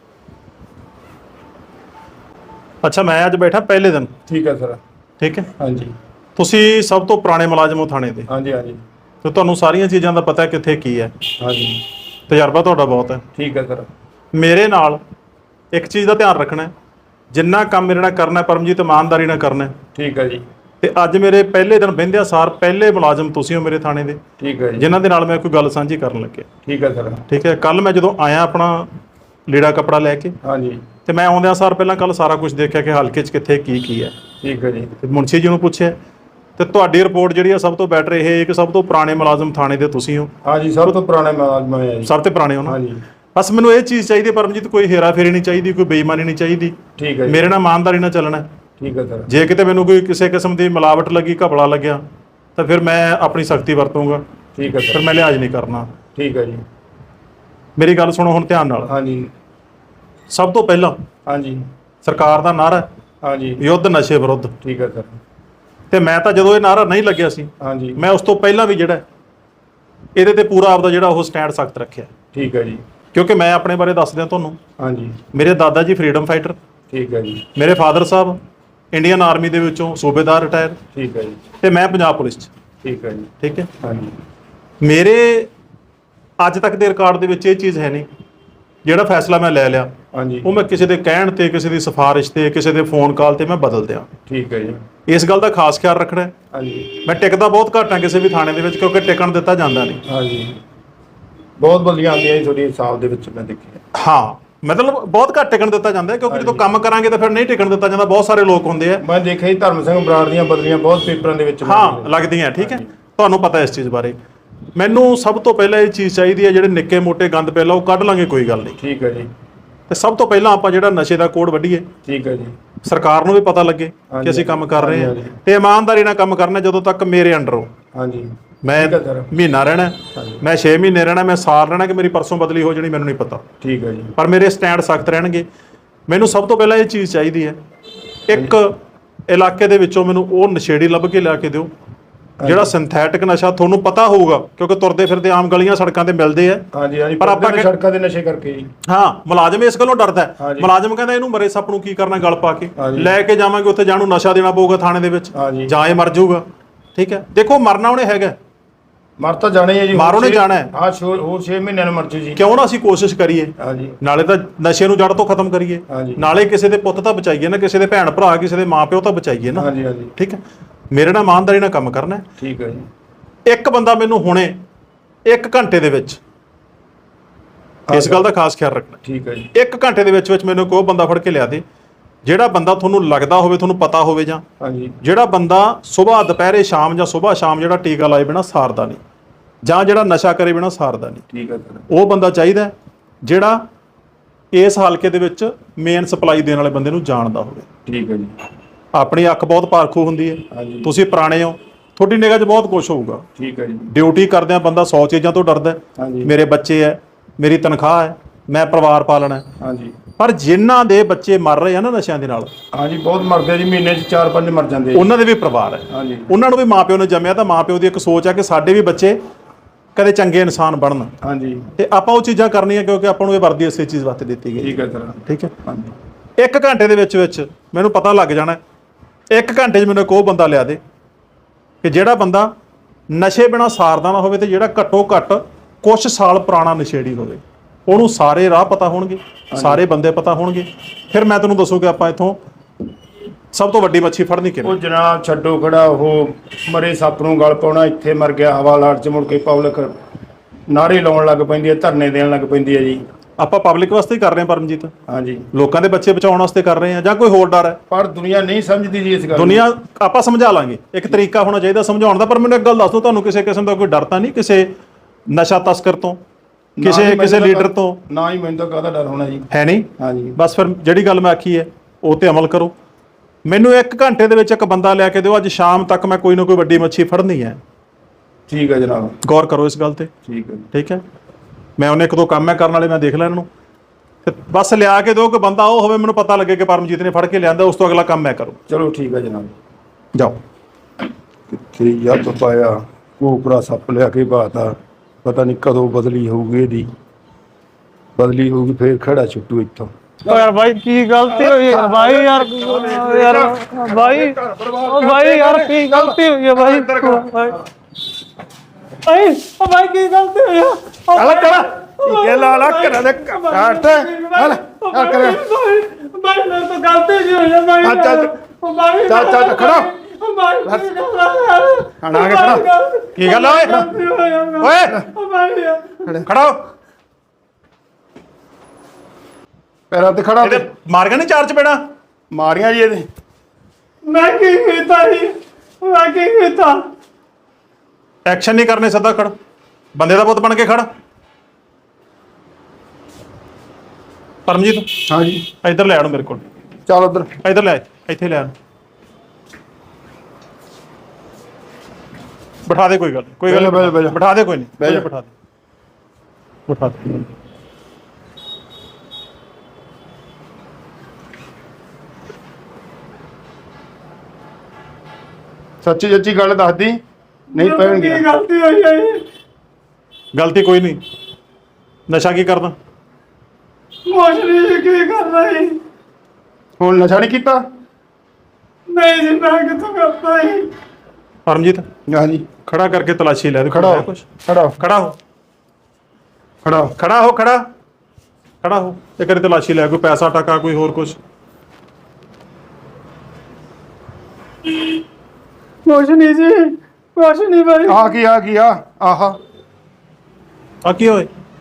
Speaker 1: ਅੱਛਾ, ਮੈਂ ਅੱਜ ਬੈਠਾ ਪਹਿਲੇ ਦਿਨ।
Speaker 2: ਠੀਕ ਹੈ ਸਰ।
Speaker 1: ਠੀਕ ਹੈ।
Speaker 2: ਹਾਂਜੀ।
Speaker 1: ਤੁਸੀਂ ਸਭ ਤੋਂ ਪੁਰਾਣੇ ਮੁਲਾਜ਼ਮ ਹੋ ਥਾਣੇ ਦੇ।
Speaker 2: ਹਾਂਜੀ ਹਾਂਜੀ।
Speaker 1: ਤੇ ਤੁਹਾਨੂੰ ਸਾਰੀਆਂ ਚੀਜ਼ਾਂ ਦਾ ਪਤਾ ਕਿੱਥੇ ਕੀ ਹੈ।
Speaker 2: ਹਾਂਜੀ।
Speaker 1: ਤਜਰਬਾ ਤੁਹਾਡਾ ਬਹੁਤ ਹੈ।
Speaker 2: ਠੀਕ ਹੈ ਸਰ।
Speaker 1: ਮੇਰੇ ਨਾਲ ਇੱਕ ਚੀਜ਼ ਦਾ ਧਿਆਨ ਰੱਖਣਾ, ਜਿੰਨਾ ਕੰਮ ਮੇਰੇ ਨਾਲ ਕਰਨਾ ਪਰਮਜੀਤ ਇਮਾਨਦਾਰੀ ਨਾਲ ਕਰਨਾ।
Speaker 2: ਠੀਕ ਹੈ ਜੀ।
Speaker 1: ਤੇ ਅੱਜ ਮੇਰੇ ਪਹਿਲੇ ਦਿਨ ਬਹਿੰਦਿਆਂ ਸਾਰ ਪਹਿਲੇ ਮੁਲਾਜ਼ਮ ਤੁਸੀਂ ਹੋ ਮੇਰੇ ਥਾਣੇ ਦੇ।
Speaker 2: ਠੀਕ ਹੈ ਜੀ।
Speaker 1: ਜਿਨ੍ਹਾਂ ਦੇ ਨਾਲ ਮੈਂ ਕੋਈ ਗੱਲ ਸਾਂਝੀ ਕਰਨ ਲੱਗਿਆ।
Speaker 2: ਠੀਕ ਹੈ ਸਰ।
Speaker 1: ਠੀਕ ਹੈ। ਕੱਲ ਮੈਂ ਜਦੋਂ ਆਇਆ ਆਪਣਾ ਲੀੜਾ ਕੱਪੜਾ ਲੈ ਕੇ,
Speaker 2: ਹਾਂਜੀ,
Speaker 1: ਤੇ ਮੈਂ ਆਉਂਦਿਆਂ ਸਾਰ ਪਹਿਲਾਂ ਕੱਲ ਸਾਰਾ ਕੁਝ ਦੇਖਿਆ ਕਿ ਹਲਕੇ 'ਚ ਕਿੱਥੇ ਕੀ ਹੈ।
Speaker 2: ਠੀਕ ਹੈ ਜੀ।
Speaker 1: ਤੇ ਮੁਨਸ਼ੀ ਜੀ ਨੂੰ ਪੁੱਛਿਆ, ਤੇ ਤੁਹਾਡੀ ਰਿਪੋਰਟ ਜਿਹੜੀ ਆ ਸਭ ਤੋਂ ਬੈਟਰ ਇਹ ਹੈ ਕਿ ਸਭ ਤੋਂ ਪੁਰਾਣੇ ਮੁਲਾਜ਼ਮ ਥਾਣੇ ਦੇ ਤੁਸੀਂ ਹੋ।
Speaker 2: ਹਾਂਜੀ, ਸਭ ਤੋਂ ਪੁਰਾਣੇ ਮੁਲਾਜ਼ਮ ਹੈ ਜੀ।
Speaker 1: ਸਭ ਤੋਂ ਪੁਰਾਣੇ ਹੋ ਨਾ?
Speaker 2: ਹਾਂਜੀ।
Speaker 1: ਬਸ ਮੈਨੂੰ ਇਹ ਚੀਜ਼ ਚਾਹੀਦੀ ਹੈ ਪਰਮਜੀਤ, ਕੋਈ ਹੇਰਾ ਫੇਰੀ ਨਹੀਂ ਚਾਹੀਦੀ, ਕੋਈ ਬੇਈਮਾਨੀ ਨਹੀਂ ਚਾਹੀਦੀ।
Speaker 2: ਠੀਕ ਹੈ ਜੀ।
Speaker 1: ਮੇਰੇ ਨਾਲ ਇਮਾਨਦਾਰੀ ਨਾਲ ਚੱਲਣਾ।
Speaker 2: ਠੀਕ ਹੈ ਸਰ।
Speaker 1: ਜੇ ਕਿਤੇ ਮੈਨੂੰ ਕੋਈ ਕਿਸੇ ਕਿਸਮ ਦੀ ਮਿਲਾਵਟ ਲੱਗੀ, ਘਪਲਾ ਲੱਗਿਆ, ਤਾਂ ਫਿਰ ਮੈਂ ਆਪਣੀ ਸਖਤੀ ਵਰਤੂੰਗਾ।
Speaker 2: ਠੀਕ ਹੈ
Speaker 1: ਫਿਰ
Speaker 2: ਸਰ।
Speaker 1: ਮੈਂ ਲਿਹਾਜ਼ ਨਹੀਂ ਕਰਨਾ।
Speaker 2: ਠੀਕ ਹੈ ਜੀ।
Speaker 1: ਮੇਰੀ ਗੱਲ ਸੁਣੋ ਹੁਣ ਧਿਆਨ ਨਾਲ।
Speaker 2: ਹਾਂਜੀ
Speaker 1: ਸਭ ਤੋਂ ਪਹਿਲਾਂ
Speaker 2: ਹਾਂਜੀ
Speaker 1: ਸਰਕਾਰ ਦਾ ਨਾਅਰਾ
Speaker 2: ਹਾਂਜੀ।
Speaker 1: ਯੁੱਧ ਨਸ਼ੇ ਵਿਰੁੱਧ।
Speaker 2: ਠੀਕ ਹੈ ਸਰ।
Speaker 1: ਤੇ ਮੈਂ ਤਾਂ ਜਦੋਂ ਇਹ ਨਾਅਰਾ ਨਹੀਂ ਲੱਗਿਆ ਸੀ,
Speaker 2: ਹਾਂਜੀ,
Speaker 1: ਮੈਂ ਉਸ ਤੋਂ ਪਹਿਲਾਂ ਵੀ ਜਿਹੜਾ ਇਹਦੇ ਤੇ ਪੂਰਾ ਆਪਦਾ ਜਿਹੜਾ ਉਹ ਸਟੈਂਡ ਸਖਤ ਰੱਖਿਆ।
Speaker 2: ਠੀਕ ਹੈ ਜੀ।
Speaker 1: ਕਿਉਂਕਿ ਮੈਂ ਆਪਣੇ ਬਾਰੇ ਦੱਸ ਦਿਆਂ ਤੁਹਾਨੂੰ।
Speaker 2: ਹਾਂਜੀ।
Speaker 1: ਮੇਰੇ ਦਾਦਾ ਜੀ ਫਰੀडम ਫਾਈਟਰ।
Speaker 2: ਠੀਕ ਹੈ ਜੀ।
Speaker 1: ਮੇਰੇ ਫਾਦਰ ਸਾਹਿਬ ਇੰਡੀਅਨ ਆਰਮੀ ਦੇ ਵਿੱਚੋਂ ਸੂਬੇਦਾਰ ਰਿਟਾਇਰ।
Speaker 2: ਠੀਕ ਹੈ ਜੀ।
Speaker 1: ਤੇ ਮੈਂ ਪੰਜਾਬ ਪੁਲਿਸ 'ਚ।
Speaker 2: ਠੀਕ ਹੈ ਜੀ।
Speaker 1: ਠੀਕ ਹੈ।
Speaker 2: ਹਾਂਜੀ।
Speaker 1: ਮੇਰੇ ਅੱਜ ਤੱਕ ਦੇ ਰਿਕਾਰਡ ਦੇ ਵਿੱਚ ਇਹ ਚੀਜ਼ ਹੈ ਨਹੀਂ, ਜਿਹੜਾ ਫੈਸਲਾ ਮੈਂ ਲੈ ਲਿਆ
Speaker 2: ਹਾਂਜੀ,
Speaker 1: ਉਹ ਮੈਂ ਕਿਸੇ ਦੇ ਕਹਿਣ ਤੇ, ਕਿਸੇ ਦੀ ਸਿਫਾਰਿਸ਼ ਤੇ, ਕਿਸੇ ਦੇ ਫੋਨ ਕਾਲ ਤੇ ਮੈਂ ਬਦਲ ਦਿਆਂ।
Speaker 2: ਠੀਕ ਹੈ ਜੀ।
Speaker 1: ਇਸ ਗੱਲ ਦਾ ਖਾਸ ਖਿਆਲ ਰੱਖਣਾ।
Speaker 2: ਹਾਂਜੀ।
Speaker 1: ਮੈਂ ਟਿਕਦਾ ਬਹੁਤ ਘੱਟ ਹਾਂ ਕਿਸੇ ਵੀ ਥਾਣੇ ਦੇ ਵਿੱਚ, ਕਿਉਂਕਿ ਟਿਕਣ ਦਿੱਤਾ ਜਾਂਦਾ ਨਹੀਂ।
Speaker 2: ਹਾਂਜੀ। ਬਹੁਤ ਬਦਲੀਆਂ ਆਉਂਦੀਆਂ ਜੀ ਤੁਹਾਡੀ ਹਿਸਾਬ ਦੇ ਵਿੱਚ ਮੈਂ ਦੇਖਿਆ।
Speaker 1: ਹਾਂ ਮਤਲਬ ਬਹੁਤ ਘੱਟ ਟਿਕਣ ਦਿੱਤਾ ਜਾਂਦਾ ਹੈ, ਕਿਉਂਕਿ ਜਦੋਂ ਕੰਮ ਕਰਾਂਗੇ ਤਾਂ ਫਿਰ ਨਹੀਂ ਟਿਕਣ ਦਿੱਤਾ ਜਾਂਦਾ। ਬਹੁਤ ਸਾਰੇ ਲੋਕ ਹੁੰਦੇ ਆ,
Speaker 2: ਮੈਂ ਦੇਖਿਆ ਜੀ ਧਰਮ ਸਿੰਘ ਬਰਾੜ ਦੀਆਂ ਬਦਲੀਆਂ ਬਹੁਤ ਪੇਪਰਾਂ ਦੇ ਵਿੱਚ
Speaker 1: ਹਾਂ ਲੱਗਦੀਆਂ। ਠੀਕ ਹੈ, ਤੁਹਾਨੂੰ ਪਤਾ ਇਸ ਚੀਜ਼ ਬਾਰੇ। ਮੈਨੂੰ ਸਭ ਤੋਂ ਪਹਿਲਾਂ ਇਹ ਚੀਜ਼ ਚਾਹੀਦੀ ਹੈ, ਜਿਹੜੇ ਨਿੱਕੇ ਮੋਟੇ ਗੰਦ ਪਹਿਲਾਂ ਉਹ ਕੱਢ ਲਾਂਗੇ, ਕੋਈ ਗੱਲ ਨਹੀਂ।
Speaker 2: ਠੀਕ ਹੈ ਜੀ।
Speaker 1: ਤੇ ਸਭ ਤੋਂ ਪਹਿਲਾਂ ਆਪਾਂ ਜਿਹੜਾ ਨਸ਼ੇ ਦਾ ਕੋਡ ਵੱਢੀਏ,
Speaker 2: ਠੀਕ ਹੈ ਜੀ।
Speaker 1: ਸਰਕਾਰ ਨੂੰ ਵੀ ਪਤਾ ਲੱਗੇ ਕਿ ਅਸੀਂ ਕੰਮ ਕਰ ਰਹੇ ਹਾਂ ਤੇ ਇਮਾਨਦਾਰੀ ਨਾਲ ਕੰਮ ਕਰਨਾ। ਜਦੋਂ ਤੱਕ ਮੇਰੇ ਅੰਡਰ ਹੋ,
Speaker 2: ਹਾਂਜੀ
Speaker 1: ਮੈਂ
Speaker 2: ਠੀਕ ਹੈ ਸਰ।
Speaker 1: ਮਹੀਨਾ ਰਹਿਣਾ, ਮੈਂ 6 ਮਹੀਨੇ ਰਹਿਣਾ, ਮੈਂ ਸਾਲ ਰਹਿਣਾ, ਕਿ ਮੇਰੀ ਪਰਸੋਂ ਬਦਲੀ ਹੋ ਜਾਣੀ, ਮੈਨੂੰ ਨਹੀਂ ਪਤਾ।
Speaker 2: ਠੀਕ ਹੈ ਜੀ।
Speaker 1: ਪਰ ਮੇਰੇ ਸਟੈਂਡ ਸਖਤ ਰਹਿਣਗੇ। ਮੈਨੂੰ ਸਭ ਤੋਂ ਪਹਿਲਾਂ ਇਹ ਚੀਜ਼ ਚਾਹੀਦੀ ਹੈ, ਇੱਕ ਇਲਾਕੇ ਦੇ ਵਿੱਚੋਂ ਮੈਨੂੰ ਉਹ ਨਸ਼ੇੜੀ ਲੱਭ ਕੇ ਲਿਆ ਕੇ ਦਿਓ ਜਿਹੜਾ ਸਿੰਥੈਟਿਕ ਨਸ਼ਾ ਤੁਹਾਨੂੰ ਪਤਾ ਹੋਊਗਾ, ਕਿਉਂਕਿ ਤੁਰਦੇ ਫਿਰਦੇ ਆਮ ਗਲੀਆਂ ਸੜਕਾਂ ਤੇ ਮਿਲਦੇ ਆ।
Speaker 2: ਹਾਂਜੀ ਹਾਂਜੀ,
Speaker 1: ਪਰ ਆਪਾਂ
Speaker 2: ਸੜਕਾਂ ਦੇ ਨਸ਼ੇ ਕਰਕੇ ਜੀ।
Speaker 1: ਹਾਂ, ਮੁਲਾਜ਼ਮ ਇਸ ਗੱਲੋਂ ਡਰਦਾ ਹੈ। ਮੁਲਾਜ਼ਮ ਕਹਿੰਦਾ ਇਹਨੂੰ ਮਰੇ ਸੱਪ ਨੂੰ ਕੀ ਕਰਨਾ, ਗਲ ਪਾ ਕੇ ਲੈ ਕੇ ਜਾਵਾਂਗੇ ਉੱਥੇ, ਜਾਣੂ ਨਸ਼ਾ ਦੇਣਾ ਪਊਗਾ ਥਾਣੇ ਦੇ ਵਿੱਚ, ਜਾਂ ਇਹ ਮਰ ਜਾਊਗਾ। ਠੀਕ ਹੈ, ਦੇਖੋ ਮਰਨਾ ਉਹਨੇ ਹੈਗਾ,
Speaker 2: ਮਰ ਤਾਂ ਜਾਣਾ ਹੀ ਹੈ ਜੀ,
Speaker 1: ਮਰ ਉਹਨੇ ਜਾਣਾ ਹੈ।
Speaker 2: ਹਾਂ ਹੋਰ 6 ਮਹੀਨਿਆਂ ਨੂੰ ਮਰ ਜੂ ਜੀ।
Speaker 1: ਕਿਉਂ ਨਾ ਅਸੀਂ ਕੋਸ਼ਿਸ਼ ਕਰੀਏ,
Speaker 2: ਹਾਂਜੀ,
Speaker 1: ਨਾਲੇ ਤਾਂ ਨਸ਼ੇ ਨੂੰ ਜੜ ਤੋਂ ਖਤਮ ਕਰੀਏ, ਨਾਲੇ ਕਿਸੇ ਦੇ ਪੁੱਤ ਤਾਂ ਬਚਾਈਏ ਨਾ, ਕਿਸੇ ਦੇ ਭੈਣ ਭਰਾ, ਕਿਸੇ ਦੇ ਮਾਪਿਓ ਤਾਂ ਬਚਾਈਏ ਨਾ।
Speaker 2: ਹਾਂਜੀ ਹਾਂਜੀ,
Speaker 1: ਠੀਕ ਹੈ, ਮੇਰੇ ਨਾਲ ਇਮਾਨਦਾਰੀ ਨਾਲ ਕੰਮ ਕਰਨਾ।
Speaker 2: ਠੀਕ ਹੈ ਜੀ।
Speaker 1: ਇੱਕ ਬੰਦਾ ਮੈਨੂੰ ਹੁਣੇ 1 ਘੰਟੇ ਦੇ ਵਿੱਚ, ਇਸ ਗੱਲ ਦਾ ਖਾਸ ਖਿਆਲ ਰੱਖਣਾ।
Speaker 2: ਠੀਕ ਹੈ ਜੀ।
Speaker 1: 1 ਘੰਟੇ ਦੇ ਵਿੱਚ ਮੈਨੂੰ ਕੋਈ ਬੰਦਾ ਫੜ ਕੇ ਲਿਆ ਦੇ, ਜਿਹੜਾ ਬੰਦਾ ਤੁਹਾਨੂੰ ਲੱਗਦਾ ਹੋਵੇ, ਤੁਹਾਨੂੰ ਪਤਾ ਹੋਵੇ, ਜਾਂ ਜਿਹੜਾ ਬੰਦਾ ਸਵੇਰ ਦੁਪਹਿਰੇ ਸ਼ਾਮ ਜਾਂ ਸਵੇਰ ਸ਼ਾਮ ਜਿਹੜਾ ਟੀਕਾ ਲਾਏ ਬਿਨਾ ਸਾਰਦਾ ਨਹੀਂ, ਜਾਂ ਜਿਹੜਾ ਨਸ਼ਾ ਕਰੇ ਬਿਨਾ ਸਾਰਦਾ ਨਹੀਂ।
Speaker 2: ਠੀਕ ਹੈ ਸਰ।
Speaker 1: ਉਹ ਬੰਦਾ ਚਾਹੀਦਾ ਜਿਹੜਾ ਇਸ ਹਲਕੇ ਦੇ ਵਿੱਚ ਮੇਨ ਸਪਲਾਈ ਦੇਣ ਵਾਲੇ ਬੰਦੇ ਨੂੰ ਜਾਣਦਾ ਹੋਵੇ।
Speaker 2: ਠੀਕ ਹੈ ਜੀ।
Speaker 1: ਆਪਣੀ ਅੱਖ ਬਹੁਤ ਪਾਰਖੂ ਹੁੰਦੀ ਹੈ, ਤੁਸੀਂ ਪੁਰਾਣੇ ਹੋ, ਤੁਹਾਡੀ ਨਿਗਾਹ 'ਚ ਬਹੁਤ ਕੁਝ ਹੋਊਗਾ।
Speaker 2: ਠੀਕ ਹੈ ਜੀ।
Speaker 1: ਡਿਊਟੀ ਕਰਦਿਆਂ ਬੰਦਾ 100 ਚੀਜ਼ਾਂ ਤੋਂ ਡਰਦਾ ਹੈ। ਮੇਰੇ ਬੱਚੇ ਹੈ, ਮੇਰੀ ਤਨਖਾਹ ਹੈ, ਮੈਂ ਪਰਿਵਾਰ ਪਾਲਣਾ।
Speaker 2: ਹਾਂਜੀ,
Speaker 1: ਪਰ ਜਿਨ੍ਹਾਂ ਦੇ ਬੱਚੇ ਮਰ ਰਹੇ ਆ ਨਾ ਨਸ਼ਿਆਂ ਦੇ ਨਾਲ,
Speaker 2: ਹਾਂਜੀ ਬਹੁਤ ਮਰਦੇ ਆ ਜੀ, ਮਹੀਨੇ 'ਚ 4-5 ਮਰ ਜਾਂਦੇ ਆ।
Speaker 1: ਉਹਨਾਂ ਦੇ ਵੀ ਪਰਿਵਾਰ ਹੈ, ਉਹਨਾਂ ਨੂੰ ਵੀ ਮਾਪਿਓ ਨੇ ਜੰਮਿਆ, ਤਾਂ ਮਾਪਿਓ ਦੀ ਇੱਕ ਸੋਚ ਹੈ ਕਿ ਸਾਡੇ ਵੀ ਬੱਚੇ ਕਦੇ ਚੰਗੇ ਇਨਸਾਨ ਬਣਨ।
Speaker 2: ਹਾਂਜੀ,
Speaker 1: ਤੇ ਆਪਾਂ ਉਹ ਚੀਜ਼ਾਂ ਕਰਨੀਆਂ, ਕਿਉਂਕਿ ਆਪਾਂ ਨੂੰ ਇਹ ਵਰਦੀ ਇਸੇ ਚੀਜ਼ ਵਾਸਤੇ ਦਿੱਤੀ ਗਈ।
Speaker 2: ਠੀਕ ਹੈ ਸਰ।
Speaker 1: ਠੀਕ ਹੈ, 1 ਘੰਟੇ ਦੇ ਵਿੱਚ ਮੈਨੂੰ ਪਤਾ ਲੱਗ ਜਾਣਾ। 1 ਘੰਟੇ 'ਚ ਮੈਨੂੰ ਇੱਕ ਉਹ ਬੰਦਾ ਲਿਆ ਦੇ ਕਿ ਜਿਹੜਾ ਬੰਦਾ ਨਸ਼ੇ ਬਿਨਾਂ ਸਾਰਦਾ ਨਾ ਹੋਵੇ, ਤੇ ਜਿਹੜਾ ਘੱਟੋ ਘੱਟ ਕੁਛ ਸਾਲ ਪੁਰਾਣਾ ਨਸ਼ੇੜੀ ਹੋਵੇ। ਉਹਨੂੰ ਸਾਰੇ ਰਾਹ ਪਤਾ ਹੋਣਗੇ, ਸਾਰੇ ਬੰਦੇ ਪਤਾ ਹੋਣਗੇ। ਫਿਰ ਮੈਂ ਤੈਨੂੰ ਦੱਸੂ ਕਿ ਆਪਾਂ ਇੱਥੋਂ ਸਭ ਤੋਂ ਵੱਡੀ ਮੱਛੀ ਫੜਨੀ ਕਿਵੇਂ।
Speaker 2: ਉਹ ਜਨਾਬ ਛੱਡੋ ਖੜਾ, ਉਹ ਮਰੇ ਸੱਪ ਨੂੰ ਗਲ ਪਾਉਣਾ, ਇੱਥੇ ਮਰ ਗਿਆ ਹਵਾ ਲਾਟ 'ਚ, ਮੁੜ ਕੇ ਪਬਲਿਕ ਨਾਰੇ ਲਾਉਣ ਲੱਗ ਪੈਂਦੀ ਹੈ, ਧਰਨੇ ਦੇਣ ਲੱਗ ਪੈਂਦੀ ਹੈ ਜੀ।
Speaker 1: ਆਪਾਂ ਪਬਲਿਕ ਵਾਸਤੇ ਹੀ ਕਰ ਰਹੇ ਹਾਂ ਪਰਮਜੀਤ।
Speaker 2: ਹਾਂਜੀ,
Speaker 1: ਲੋਕਾਂ ਦੇ ਬੱਚੇ ਬਚਾਉਣ ਵਾਸਤੇ ਕਰ ਰਹੇ ਹਾਂ, ਜਾਂ ਕੋਈ ਹੋਰ ਡਰ ਹੈ?
Speaker 2: ਪਰ ਦੁਨੀਆ ਨਹੀਂ ਸਮਝਦੀ ਜੀ ਇਸ ਗੱਲ ਨੂੰ।
Speaker 1: ਦੁਨੀਆ ਆਪਾਂ ਸਮਝਾ ਲਾਂਗੇ, ਇੱਕ ਤਰੀਕਾ ਹੋਣਾ ਚਾਹੀਦਾ ਸਮਝਾਉਣ ਦਾ। ਪਰ ਮੈਨੂੰ ਇੱਕ ਗੱਲ ਦੱਸ ਦਿਓ, ਤੁਹਾਨੂੰ ਕਿਸੇ ਕਿਸਮ ਦਾ ਕੋਈ ਡਰ ਤਾਂ ਨਹੀਂ ਕਿਸੇ ਨਸ਼ਾ ਤਸਕਰ ਤੋਂ, ਕਿਸੇ ਲੀਡਰ ਤੋਂ?
Speaker 2: ਨਾ ਹੀ, ਮੈਨੂੰ ਤਾਂ ਕਾਹਦਾ ਡਰ ਹੋਣਾ ਜੀ,
Speaker 1: ਹੈ ਨਹੀਂ।
Speaker 2: ਹਾਂਜੀ,
Speaker 1: ਬਸ ਫਿਰ ਜਿਹੜੀ ਗੱਲ ਮੈਂ ਆਖੀ ਹੈ ਉਹ ਤੇ ਅਮਲ ਕਰੋ। ਮੈਨੂੰ 1 ਘੰਟੇ ਦੇ ਵਿੱਚ ਇੱਕ ਬੰਦਾ ਲਿਆ ਕੇ ਦਿਓ, ਅੱਜ ਸ਼ਾਮ ਤੱਕ ਮੈਂ ਕੋਈ ਨਾ ਕੋਈ ਵੱਡੀ ਮੱਛੀ ਫੜਨੀ ਹੈ।
Speaker 2: ਠੀਕ ਹੈ ਜਨਾਬ,
Speaker 1: ਗੌਰ ਕਰੋ ਇਸ ਗੱਲ ਤੇ।
Speaker 2: ਠੀਕ ਹੈ,
Speaker 1: ਠੀਕ ਹੈ, ਮੈਂ ਉਹਨੇ 1-2 ਕੰਮ ਮੈਂ ਕਰਨ ਵਾਲੇ ਮੈਂ ਦੇਖ ਲੈ ਇਹਨਾਂ ਨੂੰ, ਤੇ ਬਸ ਲਿਆ ਕੇ ਦਿਓ ਕਿ ਬੰਦਾ ਉਹ ਹੋਵੇ, ਮੈਨੂੰ ਪਤਾ ਲੱਗੇ ਕਿ ਪਰਮਜੀਤ ਨੇ ਫੜ ਕੇ ਲਿਆਂਦਾ, ਉਸ ਤੋਂ ਅਗਲਾ ਕੰਮ ਮੈਂ ਕਰੂੰ।
Speaker 2: ਚਲੋ ਠੀਕ ਹੈ ਜਨਾਬ।
Speaker 1: ਜਾਓ।
Speaker 2: ਕਿੱਥੇ ਯੱਤ ਪਾਇਆ, ਕੋਕਰਾ ਸੱਪ ਲਿਆ ਕੇ ਬਾਤਾ, ਪਤਾ ਨਹੀਂ ਕਦੋਂ ਬਦਲੀ ਹੋਊਗੀ, ਇਹਦੀ ਬਦਲੀ ਹੋਊਗੀ ਫੇਰ ਖੜਾ ਛੁੱਟੂ ਇੱਥੋਂ।
Speaker 3: ਯਾਰ ਭਾਈ ਕੀ ਗਲਤੀ ਹੋਈ ਹੈ ਭਾਈ, ਯਾਰ ਭਾਈ, ਭਾਈ ਯਾਰ ਕੀ ਗਲਤੀ ਹੋਈ ਹੈ ਭਾਈ, ਭਾਈ ਭਾਈ ਕੀ ਗਲਤੀ ਹੋਈ ਹੈ?
Speaker 2: ਇਹ ਲਾ ਕਰਾ ਦੇ ਕਾਟ ਹਲ ਕਰ
Speaker 3: ਭਾਈ ਮੈਂ ਤਾਂ ਗਲਤੀ ਜੀ ਹੋਈ ਹੈ ਭਾਈ। ਭਾਈ
Speaker 2: ਚੱਲ ਖੜਾ
Speaker 3: ਭਾਈ
Speaker 2: ਆਣਾ ਖੜਾ।
Speaker 1: ਕੀ ਗੱਲ ਓਏ ਖੜਾ ਹੋ।
Speaker 2: ਪੈਰਾਂ ਤੇ ਖੜਾ
Speaker 1: ਇਹਦੇ ਮਾਰ ਗਿਆ ਨਹੀਂ 4 ਚਪੇੜਾਂ?
Speaker 2: ਮਾਰੀਆਂ ਜੀ ਇਹਦੇ।
Speaker 3: ਮੈਂ ਕੀ ਕੀਤਾ ਜੀ, ਮੈਂ ਕੀ ਕੀਤਾ?
Speaker 1: ਐਕਸ਼ਨ ਨਹੀਂ ਕਰਨੇ, ਸਿੱਧਾ ਖੜ, ਬੰਦੇ ਦਾ ਪੁੱਤ ਬਣ ਕੇ ਖੜ। ਪਰਮਜੀਤ,
Speaker 2: ਹਾਂਜੀ
Speaker 1: ਇੱਧਰ ਲੈ ਆਣੋ ਮੇਰੇ ਕੋਲ।
Speaker 2: ਚੱਲ ਉਧਰ,
Speaker 1: ਇੱਧਰ ਲੈ, ਇੱਥੇ ਲੈ ਆਣ। ਬਿਠਾ ਦੇ, ਕੋਈ ਗੱਲ ਨਹੀਂ, ਬਿਠਾ ਦੇ, ਕੋਈ ਨਹੀਂ, ਬਿਠਾ ਦੇ।
Speaker 2: ਸੱਚੀ ਸੱਚੀ ਗੱਲ ਦੱਸਦੀ, ਨਹੀਂ ਪੈਣਗੇ।
Speaker 3: ਕੀ ਗਲਤੀ ਹੋਈ ਹੈ ਜੀ?
Speaker 1: ਗਲਤੀ ਕੋਈ ਨਹੀਂ। ਨਸ਼ਾ ਕੀ ਕਰਦਾ?
Speaker 3: ਮੋਸ਼ਰੀ ਕੀ ਕਰਦਾ ਜੀ?
Speaker 2: ਹੁਣ ਨਸ਼ਾ ਨਹੀਂ ਕੀਤਾ?
Speaker 3: ਨਹੀਂ ਜੀ, ਮੈਂ ਕਿੱਥੋਂ ਕਰਦਾ ਜੀ?
Speaker 1: ਪਰਮਜੀਤ,
Speaker 2: ਹਾਂਜੀ
Speaker 1: ਖੜਾ ਕਰਕੇ ਤਲਾਸ਼ੀ ਲੈ ਦੇ।
Speaker 2: ਖੜਾ ਹੋ, ਖੜਾ ਹੋ,
Speaker 1: ਖੜਾ ਹੋ,
Speaker 2: ਖੜਾ ਹੋ,
Speaker 1: ਖੜਾ ਹੋ, ਖੜਾ ਹੋ। ਇੱਕ ਵਾਰੀ ਤਲਾਸ਼ੀ ਲੈ, ਕੋਈ ਪੈਸਾ ਟਕਾ, ਕੋਈ ਹੋਰ ਕੁਝ?
Speaker 3: ਕੁਛ ਨਹੀਂ ਜੀ, ਕੁਛ ਨਹੀਂ ਭਾਈ।
Speaker 2: ਆ ਕੀ ਆਹਾ
Speaker 1: ਆ ਕੀ ਹੋਏ?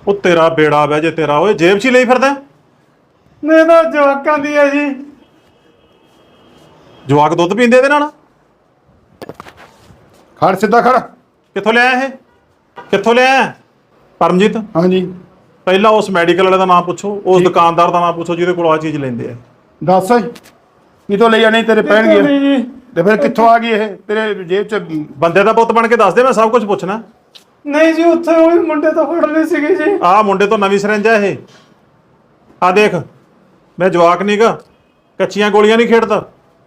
Speaker 1: ਉਹ ਤੇਰਾ ਬੇੜਾ ਵੈ ਜੇ ਤੇਰਾ ਓਏ ਜੇਬ 'ਚ ਹੀ ਲਈ ਫਿਰਦਾ
Speaker 3: ਮੈਂ ਤਾਂ ਜਵਾਕਾਂ ਦੀ ਹੈ ਜੀ।
Speaker 1: ਜਵਾਕ ਦੁੱਧ ਪੀਂਦੇ ਇਹਦੇ ਨਾਲ
Speaker 2: ਖੜ ਸਿੱਧਾ ਖੜ।
Speaker 1: ਕਿੱਥੋਂ ਲਿਆ ਇਹ ਕਿੱਥੋਂ ਲਿਆ ਪਰਮਜੀਤ?
Speaker 2: ਹਾਂਜੀ
Speaker 1: ਪਹਿਲਾਂ ਉਸ ਮੈਡੀਕਲ ਵਾਲੇ ਦਾ ਨਾਮ ਪੁੱਛੋ, ਉਸ ਦੁਕਾਨਦਾਰ ਦਾ ਨਾਮ ਪੁੱਛੋ ਜਿਹਦੇ ਕੋਲ ਆ ਚੀਜ਼ ਲੈਂਦੇ ਆ।
Speaker 2: ਦੱਸ ਕਿਤੋਂ ਲਈ ਆ? ਨਹੀਂ ਤੇਰੇ ਪੈਣਗੇ ਤੇ ਫਿਰ ਕਿੱਥੋਂ ਆ ਗਈ ਇਹ ਤੇਰੇ ਜੇਬ 'ਚ?
Speaker 1: ਬੰਦੇ ਦਾ ਪੁੱਤ ਬਣ ਕੇ ਦੱਸ ਦੇ, ਮੈਂ ਸਭ ਕੁਝ ਪੁੱਛਣਾ।
Speaker 3: ਨਹੀਂ ਜੀ ਉੱਥੇ ਉਹ ਮੁੰਡੇ ਤਾਂ ਫੜ ਲਏ ਸੀਗੇ ਜੀ।
Speaker 1: ਆਹ ਮੁੰਡੇ ਤੋਂ ਨਵੀਂ ਸਿਰੰਜ ਆ ਇਹ। ਆ ਦੇਖ, ਮੈਂ ਜਵਾਕ ਨੀਗਾ, ਕੱਚੀਆਂ ਗੋਲੀਆਂ ਨਹੀਂ ਖੇਡਦਾ।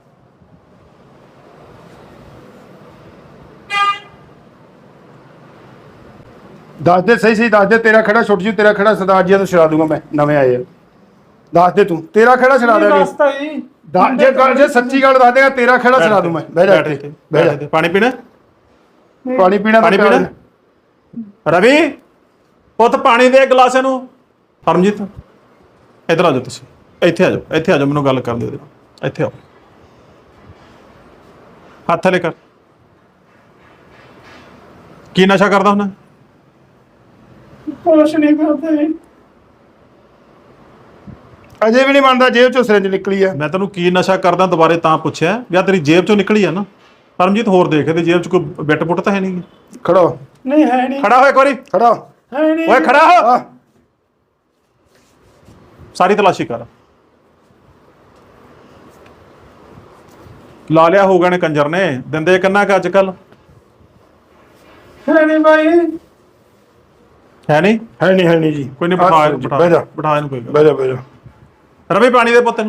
Speaker 2: ਦੱਸ ਦੇ ਸਹੀ ਦੱਸ ਦੇ। ਤੇਰਾ ਖੜਾ ਛੁੱਟ ਜੂ, ਤੇਰਾ ਖੜਾ ਸਰਦਾਰ ਜੀ ਤੋਂ ਛੁਡਾ ਦੂੰਗਾ ਮੈਂ, ਨਵੇਂ ਆਏ ਆ। ਦੱਸ ਦੇ ਤੂੰ, ਤੇਰਾ ਖੜਾ ਛੁਡਾ ਦੇਗਾ।
Speaker 3: ਦੱਸਤਾ ਜੀ।
Speaker 2: ਜੇ ਸੱਚੀ ਗੱਲ ਦੱਸ ਦੇਗਾ ਤੇਰਾ ਖੜਾ ਛੁਡਾ ਦੂੰ ਮੈਂ। ਬਹਿ ਜਾ ਇੱਥੇ, ਬਹਿ ਜਾ।
Speaker 1: ਪਾਣੀ ਪੀਣਾ?
Speaker 2: ਪਾਣੀ ਪੀਣਾ?
Speaker 1: ਪਾਣੀ ਪੀਣਾ? ਰਵੀ ਪੁੱਤ ਪਾਣੀ ਦੇ ਗਲਾਸ ਇਹਨੂੰ। ਪਰਮਜੀਤ ਇੱਧਰ ਆ ਜਾਓ, ਤੁਸੀਂ ਇੱਥੇ ਆ ਜਾਓ, ਇੱਥੇ ਆ ਜਾਓ, ਮੈਨੂੰ ਗੱਲ ਕਰ ਦਿਓ ਇਹਦੇ ਨਾਲ। ਇੱਥੇ ਆਓ, ਹੱਥ ਥੱਲੇ ਕਰ। ਕੀ ਨਸ਼ਾ ਕਰਦਾ ਹੁੰਦਾ?
Speaker 3: ਕੁਛ ਨਹੀਂ ਕਰਦਾ ਜੀ।
Speaker 2: ਅਜੇ ਵੀ ਨਹੀਂ ਮੰਨਦਾ ਜੇਬ 'ਚੋਂ ਸਿਰੰਜ ਨਿਕਲੀ ਆ।
Speaker 1: ਮੈਂ ਤੈਨੂੰ ਕੀ ਨਸ਼ਾ ਕਰਦਾ ਦੁਬਾਰੇ ਤਾਂ ਪੁੱਛਿਆ, ਜਾਂ ਤੇਰੀ ਜੇਬ 'ਚੋਂ ਨਿਕਲੀ ਆ ਨਾ? ਪਰਮਜੀਤ ਹੋਰ ਦੇਖ, ਇਹਦੀ ਜੇਬ 'ਚ ਕੋਈ ਬਿੱਟ ਬੁੱਟ ਤਾਂ ਹੈ ਨਹੀਂ?
Speaker 2: ਖੜਾ ਹੋ।
Speaker 3: ਨਹੀਂ ਹੈ ਨਹੀਂ।
Speaker 1: ਖੜਾ ਹੋ ਇੱਕ ਵਾਰੀ।
Speaker 2: ਖੜਾ ਹੋ।
Speaker 3: ਹੈ ਨਹੀਂ।
Speaker 1: ਓਏ ਖੜਾ ਹੋ।
Speaker 2: ਆ
Speaker 1: ਸਾਰੀ ਤਲਾਸ਼ੀ ਕਰ। ਲਾ ਲਿਆ ਹੋਊਗਾ ਨੇ ਕੰਜਰ ਨੇ। ਦਿੰਦੇ ਕਿੰਨਾ ਕੁ ਅੱਜ ਕੱਲ?
Speaker 3: ਹੈ ਨਹੀਂ ਬਾਈ।
Speaker 1: ਹੈ ਨਹੀਂ?
Speaker 2: ਹੈ ਨਹੀਂ ਜੀ।
Speaker 1: ਕੋਈ ਨਹੀਂ, ਬਿਠਾ ਇਹਨੂੰ,
Speaker 2: ਬਹਿ ਜਾ,
Speaker 1: ਬਿਠਾ ਇਹਨੂੰ। ਕੋਈ ਗੱਲ
Speaker 2: ਬਹਿ ਜਾ, ਬਹਿ ਜਾ।
Speaker 1: ਰਵੀ ਪਾਣੀ ਦੇ ਪੁੱਤ ਨੂੰ।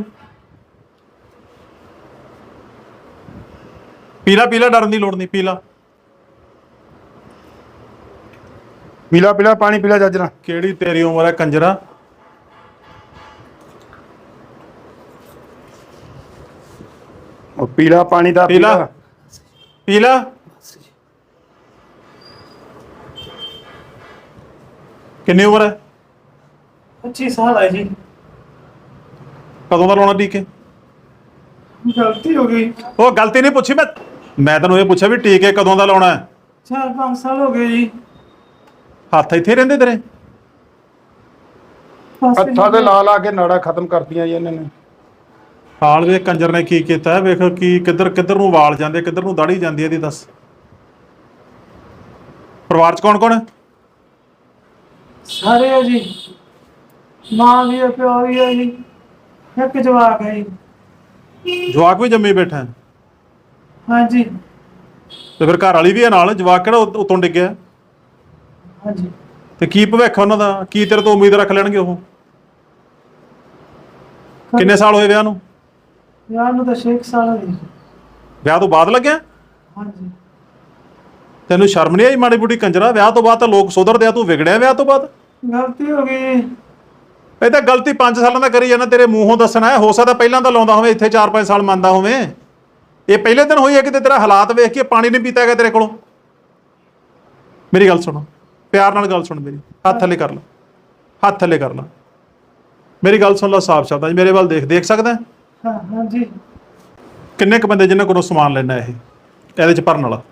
Speaker 1: ਪੀਲਾ ਪੀਲਾ, ਡਰਨ ਦੀ ਲੋੜ ਨਹੀਂ, ਪੀਲਾ।
Speaker 2: ਪੀਲਾ ਪੀਲਾ ਪਾਣੀ ਪੀਲਾ ਜੱਜ ਨਾਲ।
Speaker 1: ਕਿਹੜੀ ਤੇਰੀ ਉਮਰ ਹੈ ਕੰਜਰਾ?
Speaker 2: ਉਹ ਪੀਲਾ ਪਾਣੀ ਦਾ
Speaker 1: ਪੀਲਾ ਪੀਲਾ। ਕਿੰਨੀ ਉਮਰ ਹੈ?
Speaker 3: 25 ਸਾਲ ਹੈ ਜੀ।
Speaker 1: ਕਦੋਂ ਦਾ ਲਾਉਣਾ ਟੀਕੇ?
Speaker 3: ਗਲਤੀ ਹੋ ਗਈ।
Speaker 1: ਉਹ ਗਲਤੀ ਨਹੀਂ ਪੁੱਛੀ ਮੈਂ ਤੈਨੂੰ ਇਹ ਪੁੱਛਿਆ ਵੀ ਟੀਕੇ ਕਦੋਂ ਦਾ ਲਾਉਣਾ ਹੈ?
Speaker 3: 4-5 ਸਾਲ ਹੋ ਗਏ ਜੀ।
Speaker 1: ਹੱਥ ਇੱਥੇ ਰਹਿੰਦੇ ਤੇਰੇ?
Speaker 2: ਹੱਥਾਂ ਤੇ ਲਾ ਲਾ ਕੇ ਨਾੜਾ ਖਤਮ ਕਰਤੀਆਂ ਜੀ ਇਹਨਾਂ ਨੇ।
Speaker 1: ਹਾਲ ਵੇਖ ਕੰਜਰ ਨੇ ਕੀ ਕੀਤਾ, ਵੇਖ ਕੀ ਕਿੱਧਰ ਕਿੱਧਰ ਨੂੰ ਵਾਲ ਜਾਂਦੇ, ਕਿੱਧਰ ਨੂੰ ਦਾੜੀ ਜਾਂਦੀ ਇਹਦੀ। ਦੱਸ ਪਰਿਵਾਰ 'ਚ ਕੌਣ ਕੌਣ ਹੈ?
Speaker 3: ਸਾਰੇ ਹੈ ਜੀ। ਮਾਂ ਵੀ ਹੈ, ਪਿਓ ਵੀ ਹੈ ਜੀ। ਇੱਕ ਜਵਾਕ ਹੈ ਜੀ।
Speaker 1: ਜਵਾਕ ਵੀ ਜੰਮੀ ਬੈਠਾ ਹੈ?
Speaker 3: ਹਾਂਜੀ
Speaker 1: ਤੇ ਫਿਰ ਘਰ ਵਾਲੀ ਵੀ ਹੈ ਨਾਲ? ਜਵਾਕ ਕਿਹੜਾ ਉਤੋਂ ਡਿੱਗਿਆ?
Speaker 3: ਹਾਂਜੀ।
Speaker 1: ਤੇ ਕੀ ਭਵਿੱਖ ਉਹਨਾਂ ਦਾ? ਕੀ ਤੇਰੇ ਤੋਂ ਉਮੀਦ ਰੱਖ ਲੈਣਗੇ ਉਹ? ਕਿੰਨੇ ਸਾਲ ਹੋਏ ਵਿਆਹ ਨੂੰ?
Speaker 3: ਵਿਆਹ ਨੂੰ ਤਾਂ 6 ਸਾਲ ਹੋ ਗਏ।
Speaker 1: ਵਿਆਹ ਤੋਂ ਬਾਅਦ ਲੱਗਿਆ?
Speaker 3: ਹਾਂਜੀ।
Speaker 1: ਤੈਨੂੰ ਸ਼ਰਮ ਨਹੀਂ ਆਈ ਮਾੜੀ ਬੁੱਢੀ ਕੰਜਰਾ? ਵਿਆਹ ਤੋਂ ਬਾਅਦ ਤਾਂ ਲੋਕ ਸੁਧਰਦੇ ਆ, ਤੂੰ ਵਿਗੜਿਆ ਵਿਆਹ ਤੋਂ ਬਾਅਦ?
Speaker 3: ਗਲਤੀ ਹੋ ਗਈ।
Speaker 1: ਇਹ ਤਾਂ ਗਲਤੀ 5 ਸਾਲਾਂ ਦਾ ਕਰੀ ਜਾਂਦਾ, ਤੇਰੇ ਮੂੰਹੋਂ ਦੱਸਣਾ ਹੈ। ਹੋ ਸਕਦਾ ਪਹਿਲਾਂ ਤਾਂ ਲਾਉਂਦਾ ਹੋਵੇ, ਇੱਥੇ 4-5 ਸਾਲ ਮੰਨਦਾ ਹੋਵੇ। ਇਹ ਪਹਿਲੇ ਦਿਨ ਹੋਈ ਹੈ ਕਿਤੇ ਤੇਰਾ ਹਾਲਾਤ ਵੇਖ ਕੇ ਪਾਣੀ ਨਹੀਂ ਪੀਤਾ ਹੈਗਾ ਤੇਰੇ ਕੋਲੋਂ? ਮੇਰੀ ਗੱਲ ਸੁਣੋ, ਪਿਆਰ ਨਾਲ ਗੱਲ ਸੁਣ ਮੇਰੀ। ਹੱਥ ਥੱਲੇ ਕਰ ਲਾ, ਹੱਥ ਥੱਲੇ ਕਰ ਲਾ। ਮੇਰੀ ਗੱਲ ਸੁਣ ਲਾ ਸਾਫ਼ ਸ਼ਬਦਾਂ 'ਚ, ਮੇਰੇ ਵੱਲ ਦੇਖ ਸਕਦਾ?
Speaker 3: ਹਾਂ ਹਾਂਜੀ।
Speaker 1: ਕਿੰਨੇ ਕੁ ਬੰਦੇ ਜਿਨ੍ਹਾਂ ਕੋਲੋਂ ਸਮਾਨ ਲੈਣਾ ਇਹਦੇ 'ਚ ਭਰਨ ਵਾਲਾ?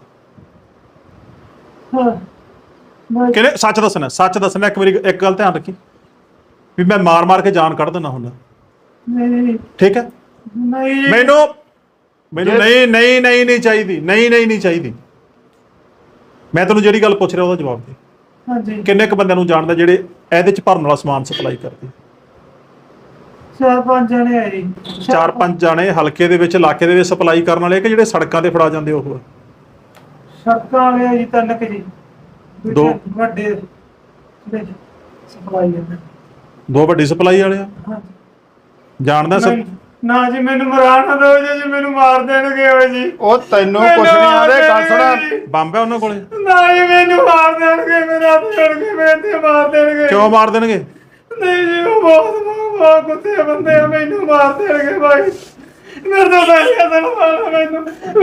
Speaker 3: ਹਾਂ
Speaker 1: ਕਿਹਨੇ? ਸੱਚ ਦੱਸਣਾ, ਸੱਚ ਦੱਸਣਾ। ਇੱਕ ਵਾਰੀ ਇੱਕ ਗੱਲ ਧਿਆਨ ਰੱਖੀ ਵੀ ਮੈਂ ਮਾਰ ਮਾਰ ਕੇ ਜਾਨ ਕੱਢ ਦਿੰਦਾ ਹੁੰਦਾ,
Speaker 3: ਨਹੀਂ
Speaker 1: ਠੀਕ ਹੈ?
Speaker 3: ਨਹੀਂ
Speaker 1: ਮੈਨੂੰ ਨਹੀਂ ਨਹੀਂ ਨਹੀਂ ਨਹੀਂ ਚਾਹੀਦੀ, ਨਹੀਂ ਨਹੀਂ ਨਹੀਂ ਚਾਹੀਦੀ। ਮੈਂ ਤੈਨੂੰ ਜਿਹੜੀ ਗੱਲ ਪੁੱਛ ਰਿਹਾ ਉਹਦਾ ਜਵਾਬ ਦੇ।
Speaker 3: ਹਾਂਜੀ।
Speaker 1: ਕਿੰਨੇ ਕੁ ਬੰਦਿਆਂ ਨੂੰ ਜਾਣਦਾ ਜਿਹੜੇ ਇਹਦੇ 'ਚ ਭਰਨ ਵਾਲਾ ਸਮਾਨ ਸਪਲਾਈ ਕਰਦੇ?
Speaker 3: 4-5 ਜਣੇ ਹੈ ਜੀ।
Speaker 1: 4-5 ਜਾਣੇ ਹਲਕੇ ਦੇ ਵਿੱਚ, ਇਲਾਕੇ ਦੇ ਵਿੱਚ ਸਪਲਾਈ ਕਰਨ ਵਾਲੇ, ਕਿ ਜਿਹੜੇ ਸੜਕਾਂ ਤੇ ਫੜਾ ਜਾਂਦੇ ਉਹ?
Speaker 3: ਸੜਕਾਂ ਵਾਲੇ ਆ ਜੀ, 3 ਕੁ ਜੀ।
Speaker 1: ਦੋ
Speaker 3: ਵੱਡੇ ਸਪਲਾਈ ਕਰਦੇ।
Speaker 1: 2 ਵੱਡੀ ਸਪਲਾਈ ਵਾਲੇ ਆ?
Speaker 3: ਹਾਂਜੀ।
Speaker 1: ਜਾਣਦਾ
Speaker 3: ਨਾ ਜੀ, ਮੈਨੂੰ ਮਰਾ ਨਾ ਦਿਓ ਜੀ, ਮੈਨੂੰ ਮਾਰ ਦੇਣਗੇ ਓਏ ਜੀ।
Speaker 2: ਉਹ ਤੈਨੂੰ ਕੁਛ ਨਹੀਂ ਆਦੇ। ਗੱਲ ਸੁਣਾ,
Speaker 1: ਬੰਬ ਹੈ ਉਹਨਾਂ ਕੋਲੇ?
Speaker 3: ਨਾ ਜੀ, ਮੈਨੂੰ ਮਾਰ ਦੇਣਗੇ, ਮੇਰਾ ਦੇਣਗੇ, ਮੇਰੇ ਤੇ ਮਾਰ ਦੇਣਗੇ।
Speaker 1: ਕਿਉਂ ਮਾਰ ਦੇਣਗੇ?
Speaker 3: ਨਹੀਂ ਜੀ, ਉਹ ਬਹੁਤ ਕੁੱਤੇ ਬੰਦੇ ਆ, ਮੈਨੂੰ ਮਾਰ ਦੇਣਗੇ ਭਾਈ। ਮੇਰੇ ਤੋਂ ਪੈਸੇ ਦਲਵਾਣਾ, ਮੈਨੂੰ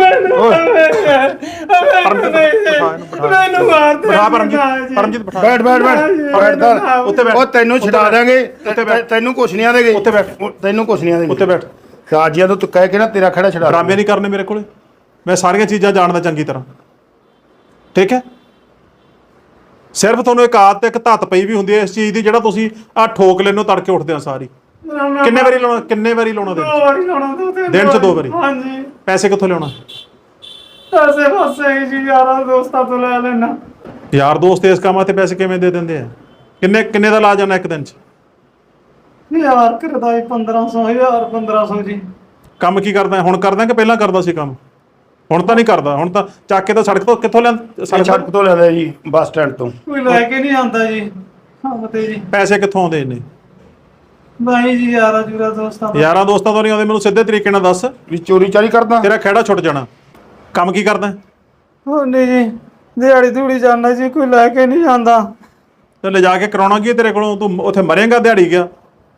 Speaker 3: ਮਾਰ ਦੇਣਗੇ।
Speaker 1: ਪਰਮਜੀਤ ਬਿਠਾ।
Speaker 2: ਬੈਠ ਬੈਠ ਬੈਠ
Speaker 1: ਉੱਤੇ ਬੈਠ।
Speaker 2: ਉਹ ਤੈਨੂੰ ਛਡਾ ਦਾਂਗੇ। ਤੈਨੂੰ ਕੁਛ ਨਹੀਂ ਆਦੇਗੇ।
Speaker 1: ਉੱਤੇ ਬੈਠ।
Speaker 2: ਤੈਨੂੰ ਕੁਛ ਨਹੀਂ ਆਦੇਗੇ।
Speaker 1: ਉੱਤੇ ਬੈਠ।
Speaker 2: ਸਾਜੀਆਂ ਤੋਂ ਤੂੰ ਕਹਿ ਕੇ ਨਾ ਤੇਰਾ ਖੜਾ ਛਡਾ।
Speaker 1: ਡਰਾਮੇ ਨਹੀਂ ਕਰਨੇ ਮੇਰੇ ਕੋਲੇ, ਮੈਂ ਸਾਰੀਆਂ ਚੀਜ਼ਾਂ ਜਾਣਦਾ ਚੰਗੀ ਤਰ੍ਹਾਂ, ਠੀਕ ਹੈ? ਸਿਰਫ ਤੁਹਾਨੂੰ ਇੱਕ ਆਦਤ ਇੱਕ ਧੱਤ ਪਈ ਵੀ ਹੁੰਦੀ ਹੈ ਇਸ ਚੀਜ਼ ਦੀ, ਜਿਹੜਾ ਤੁਸੀਂ ਆ ਠੋਕ ਲੈਨੋ ਤੜਕੇ ਉੱਠਦੇ ਆ ਸਾਰੀ। ਕਿੰਨੇ ਵਾਰੀ ਲਾਉਣਾ
Speaker 3: ਦੋ ਵਾਰੀ ਲਾਉਣਾ
Speaker 1: ਦਿਨ 'ਚ 2 ਵਾਰੀ?
Speaker 3: ਹਾਂਜੀ।
Speaker 1: ਪੈਸੇ ਕਿੱਥੋਂ ਲਿਆਉਣਾ?
Speaker 3: ਪੈਸੇ ਫਸੇ ਜੀ, ਯਾਰਾਂ ਦੋਸਤਾਂ ਤੋਂ ਲੈ ਲੈਣਾ।
Speaker 1: ਯਾਰ ਦੋਸਤ ਇਸ ਕੰਮਾਂ ਤੇ ਪੈਸੇ ਕਿਵੇਂ ਦੇ ਦਿੰਦੇ ਆ? ਕਿੰਨੇ ਦਾ ਲਾ ਜਾਣਾ ਇੱਕ ਦਿਨ 'ਚ?
Speaker 3: ਯਾਰ ਕਰਦਾ 1500 1000 1500 ਜੀ।
Speaker 1: ਕੰਮ ਕੀ ਕਰਦਾ ਹੁਣ? ਕਰਦਾ ਕਿ ਪਹਿਲਾਂ ਕਰਦਾ ਸੀ ਕੰਮ? ਹੁਣ ਤਾਂ ਨਹੀਂ ਕਰਦਾ, ਹੁਣ ਤਾਂ ਚੱਕ ਕੇ ਤਾਂ ਸੜਕ ਤੋਂ ਕਿੱਥੋਂ
Speaker 2: ਸੜਕ ਤੋਂ ਲੈਂਦਾ ਜੀ, ਬੱਸ ਸਟੈਂਡ ਤੋਂ।
Speaker 3: ਕੋਈ ਲੈ ਕੇ ਨਹੀਂ ਆਉਂਦਾ ਜੀ ਕੰਮ ਤੇ ਜੀ।
Speaker 1: ਪੈਸੇ ਕਿੱਥੋਂ ਆਉਂਦੇ ਨੇ?
Speaker 3: ਬਾਈ ਜੀ ਯਾਰਾਂ ਦੋਸਤਾਂ ਤੋਂ।
Speaker 1: ਯਾਰਾਂ ਦੋਸਤਾਂ ਤੋਂ ਨਹੀਂ ਆਉਂਦੇ। ਮੈਨੂੰ ਸਿੱਧੇ ਤਰੀਕੇ ਨਾਲ ਦੱਸ,
Speaker 2: ਵੀ ਚੋਰੀ ਚਾਰੀ ਕਰਦਾ?
Speaker 1: ਤੇਰਾ ਖਹਿੜਾ ਛੁੱਟ ਜਾਣਾ। ਕੰਮ ਕੀ ਕਰਦਾ?
Speaker 3: ਉਹ ਨਹੀਂ ਜੀ, ਦਿਹਾੜੀ ਧੂੜੀ ਜਾਂਦਾ ਜੀ, ਕੋਈ ਲੈ ਕੇ ਨਹੀਂ ਜਾਂਦਾ।
Speaker 1: ਤੇ ਲਿਜਾ ਕੇ ਕਰਾਉਣਾ ਕੀ ਤੇਰੇ ਕੋਲੋਂ? ਤੂੰ ਉੱਥੇ ਮਰੇਂਗਾ ਦਿਹਾੜੀ ਗਿਆ।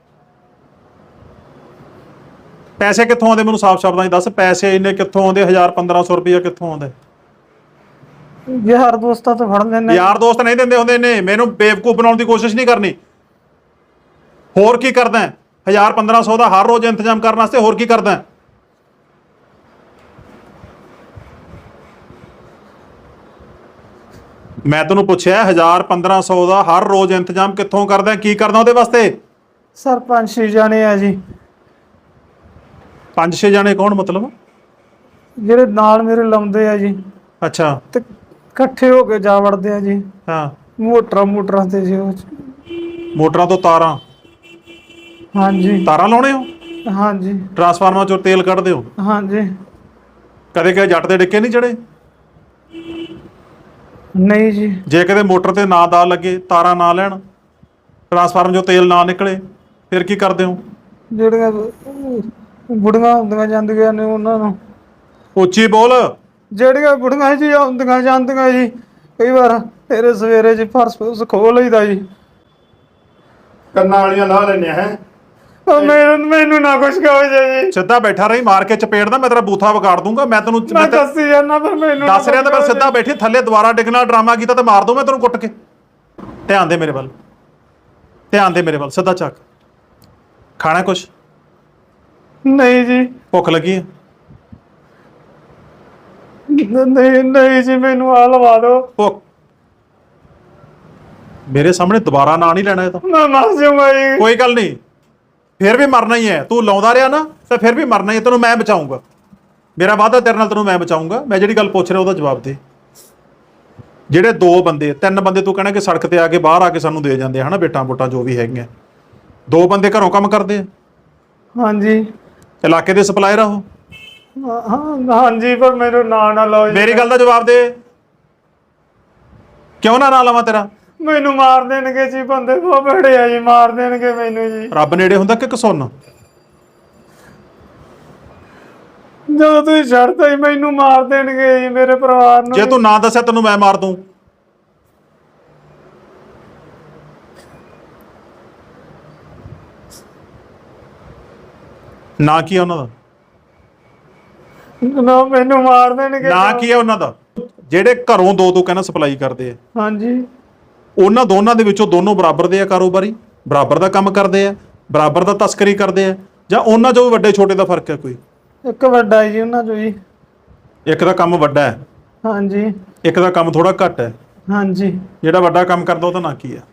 Speaker 1: ਪੈਸੇ ਕਿੱਥੋਂ ਆਉਂਦੇ ਮੈਨੂੰ ਸਾਫ਼ ਸ਼ਬਦਾਂ 'ਚ ਦੱਸ। ਪੈਸੇ ਇੰਨੇ ਕਿੱਥੋਂ ਆਉਂਦੇ? 1000-1500 ਰੁਪਇਆ ਕਿੱਥੋਂ ਆਉਂਦਾ?
Speaker 3: ਯਾਰ ਦੋਸਤਾਂ ਤੋਂ ਫੜ ਲੈਣੇ।
Speaker 1: ਯਾਰ ਦੋਸਤ ਨਹੀਂ ਦਿੰਦੇ ਹੁੰਦੇ ਨੇ। ਮੈਨੂੰ ਬੇਵਕੂਫ ਬਣਾਉਣ ਦੀ ਕੋਸ਼ਿਸ਼ ਨਹੀਂ ਕਰਨੀ। ਹੋਰ ਕੀ ਕਰਦਾ? 1000-1500 ਦਾ ਹਰ ਰੋਜ਼ ਇੰਤਜ਼ਾਮ ਕਰਨ ਵਾਸਤੇ ਹੋਰ ਕੀ ਕਰਦਾ? ਮੈਂ ਤੈਨੂੰ ਪੁੱਛਿਆ 1000-1500 ਦਾ ਹਰ ਰੋਜ਼ ਇੰਤਜ਼ਾਮ ਕਿੱਥੋਂ ਕਰਦਾ? ਕੀ ਕਰਦਾ ਉਹਦੇ ਵਾਸਤੇ?
Speaker 3: ਸਰ 5-6 ਜਾਣੇ ਆ ਜੀ।
Speaker 1: 5-6 ਜਾਣੇ ਕੌਣ ਮਤਲਬ?
Speaker 3: ਜਿਹੜੇ ਨਾਲ ਮੇਰੇ ਲਾਉਂਦੇ ਆ ਜੀ।
Speaker 1: ਅੱਛਾ।
Speaker 3: ਤੇ ਇਕੱਠੇ ਹੋ ਕੇ ਜਾ ਵੜਦੇ ਆ ਜੀ।
Speaker 1: ਹਾਂ।
Speaker 3: ਮੋਟਰਾਂ ਤੇ ਜੀ ਉਹ।
Speaker 1: ਮੋਟਰਾਂ ਤੋਂ ਤਾਰਾਂ?
Speaker 3: ਹਾਂਜੀ।
Speaker 1: ਤਾਰਾਂ ਲਾਉਣੇ ਹੋ?
Speaker 3: ਹਾਂਜੀ।
Speaker 1: ਟਰਾਂਸਫਾਰਮਰ ਚੋਂ ਤੇਲ ਕੱਢਦੇ ਹੋ?
Speaker 3: ਹਾਂਜੀ।
Speaker 1: ਕਦੇ ਜੱਟ ਦੇ ਡਿੱਕੇ ਨਹੀਂ ਚੜੇ?
Speaker 3: ਨਹੀਂ ਜੀ।
Speaker 1: ਜੇ ਕਦੇ ਮੋਟਰ ਤੇ ਨਾ ਦਾ ਲੱਗੇ, ਤਾਰਾਂ ਨਾ ਲੈਣ, ਟਰਾਂਸਫਾਰਮਰ ਚੋਂ ਤੇਲ ਨਾ ਨਿਕਲੇ, ਫਿਰ ਕੀ ਕਰਦੇ ਹੋ?
Speaker 3: ਜਿਹੜੀਆਂ ਬੁੜੀਆਂ ਹੁੰਦੀਆਂ ਜਾਂਦੀਆਂ ਨੇ ਉਹਨਾਂ ਨੂੰ।
Speaker 1: ਉੱਚੀ ਬੋਲ।
Speaker 3: ਜਿਹੜੀਆਂ ਬੁੜੀਆਂ ਜੀ ਹੁੰਦੀਆਂ ਜਾਂਦੀਆਂ ਜੀ, ਕਈ ਵਾਰ ਤੇਰੇ ਸਵੇਰੇ ਜੀ ਫਰਸ਼ ਖੋਲ ਲਈਦਾ ਜੀ।
Speaker 2: ਕੰਨਾਂ ਵਾਲੀਆਂ ਲਾ ਲੈਣੇ ਹੈ।
Speaker 3: ਉਹ ਮੈਨੂੰ ਨਾ ਕੁਛ ਕਹੋ ਜੀ।
Speaker 1: ਸਿੱਧਾ ਬੈਠਾ ਰਹੀ, ਮਾਰ ਕੇ ਚਪੇੜ ਦਾ ਮੈਂ ਤੇਰਾ ਬੂਥਾ ਵਿਗਾੜ ਦੂੰਗਾ। ਮੈਂ ਤੈਨੂੰ
Speaker 3: ਮੈਂ ਦੱਸੀ ਜਾਂਦਾ, ਪਰ ਮੈਨੂੰ
Speaker 1: ਦੱਸ ਰਿਹਾ ਤਾਂ। ਮੈਂ ਸਿੱਧਾ ਬੈਠੀ, ਥੱਲੇ ਦੁਬਾਰਾ ਡਿੱਗਣਾ ਡਰਾਮਾ ਕੀਤਾ ਤੇ ਮਾਰ ਦੂੰ ਮੈਂ ਤੈਨੂੰ ਕੁੱਟ ਕੇ। ਧਿਆਨ ਦੇ ਮੇਰੇ ਵੱਲ, ਧਿਆਨ ਦੇ ਮੇਰੇ ਵੱਲ। ਸਿੱਧਾ ਚੱਕ। ਖਾਣਾ ਕੁਛ?
Speaker 3: ਨਹੀਂ ਜੀ।
Speaker 1: ਭੁੱਖ ਲੱਗੀ ਹੈ?
Speaker 3: ਨਹੀਂ ਜੀ, ਮੈਨੂੰ ਆ ਲਵਾ ਦਿਓ।
Speaker 1: ਭੁੱਖ? ਮੇਰੇ ਸਾਹਮਣੇ ਦੁਬਾਰਾ ਨਾਂ ਨਹੀਂ ਲੈਣਾ ਇਹ ਤਾਂ।
Speaker 3: ਮੈਂ ਮਰ ਜਾਊਂਗਾ ਜੀ।
Speaker 1: ਕੋਈ ਗੱਲ ਨਹੀਂ, ਫਿਰ ਵੀ ਮਰਨਾ ਹੀ ਹੈ। ਤੂੰ ਲਾਉਂਦਾ ਰਿਹਾ ਨਾ ਤਾਂ ਫਿਰ ਵੀ ਮਰਨਾ ਹੀ ਹੈ। ਤੈਨੂੰ ਮੈਂ ਬਚਾਊਂਗਾ। ਮੇਰਾ ਵਾਅਦਾ ਤੇਰੇ ਨਾਲ, ਤੈਨੂੰ ਮੈਂ ਬਚਾਊਂਗਾ। ਮੈਂ ਜਿਹੜੀ ਗੱਲ ਪੁੱਛ ਰਿਹਾ ਉਹਦਾ ਜਵਾਬ ਦੇ। ਜਿਹੜੇ 2 ਬੰਦੇ 3 ਬੰਦੇ ਤੂੰ ਕਹਿਣਾ ਕਿ ਸੜਕ ਤੇ ਆ ਕੇ ਬਾਹਰ ਆ ਕੇ ਸਾਨੂੰ ਦੇ ਜਾਂਦੇ ਹਨਾ, ਬੇਟਾਂ ਬੋਟਾਂ ਜੋ ਵੀ ਹੈਗੀਆਂ, 2 ਬੰਦੇ ਘਰੋਂ ਕੰਮ ਕਰਦੇ ਆ?
Speaker 3: ਹਾਂਜੀ।
Speaker 1: ਇਲਾਕੇ ਦੇ ਸਪਲਾਇਰ ਆ ਉਹ?
Speaker 3: ਹਾਂਜੀ, ਪਰ ਮੈਨੂੰ ਨਾ ਲਓ ਜੀ।
Speaker 1: ਮੇਰੀ ਗੱਲ ਦਾ ਜਵਾਬ ਦੇ। ਕਿਉਂ ਨਾ ਲਵਾਂ ਤੇਰਾ?
Speaker 3: ਮੈਨੂੰ ਮਾਰ ਦੇਣਗੇ ਜੀ, ਬੰਦੇ ਬਹੁਤ ਬੜੇ ਆ ਜੀ, ਮਾਰ ਦੇਣਗੇ ਮੈਨੂੰ ਜੀ।
Speaker 1: ਰੱਬ ਨੇੜੇ ਹੁੰਦਾ ਕਿ ਕਸੁੰਨ?
Speaker 3: ਜਦੋਂ ਤੁਸੀਂ ਛੱਡਤਾ ਹੀ ਮੈਨੂੰ ਮਾਰ ਦੇਣਗੇ ਜੀ, ਮੇਰੇ ਪਰਿਵਾਰ ਨੂੰ।
Speaker 1: ਜੇ ਤੂੰ ਨਾ ਦੱਸਿਆ ਤੈਨੂੰ ਮੈਂ ਮਾਰ ਦੂੰ। ਨਾ ਕੀ ਆ ਉਹਨਾਂ ਦਾ?
Speaker 3: ਨਾ, ਮੈਨੂੰ ਮਾਰ ਦੇਣਗੇ।
Speaker 1: ਨਾ ਕੀ ਆ ਉਹਨਾਂ ਦਾ? ਜਿਹੜੇ ਘਰੋਂ 2 ਤੂੰ ਕਹਿੰਦਾ ਸਪਲਾਈ ਕਰਦੇ ਆ,
Speaker 3: ਹਾਂਜੀ।
Speaker 1: ਉਹਨਾਂ ਦੋਨਾਂ ਦੇ ਵਿੱਚੋਂ ਦੋਨੋਂ ਬਰਾਬਰ ਦੇ ਆ ਕਾਰੋਬਾਰੀ? ਬਰਾਬਰ ਦਾ ਕੰਮ ਕਰਦੇ ਆ? ਬਰਾਬਰ ਦਾ ਤਸਕਰੀ ਕਰਦੇ ਆ? ਜਾਂ ਉਹਨਾਂ 'ਚੋਂ ਵੀ ਵੱਡੇ ਛੋਟੇ ਦਾ ਫਰਕ ਹੈ ਕੋਈ?
Speaker 3: ਇੱਕ ਵੱਡਾ ਜੀ ਉਹਨਾਂ 'ਚੋਂ ਜੀ।
Speaker 1: ਇੱਕ ਦਾ ਕੰਮ ਵੱਡਾ ਹੈ,
Speaker 3: ਹਾਂਜੀ।
Speaker 1: ਇੱਕ ਦਾ ਕੰਮ ਥੋੜਾ ਘੱਟ ਹੈ।
Speaker 3: ਹਾਂਜੀ।
Speaker 1: ਜਿਹੜਾ ਵੱਡਾ ਕੰਮ ਕਰਦਾ ਉਹਦਾ ਨਾਂ ਕੀ ਹੈ?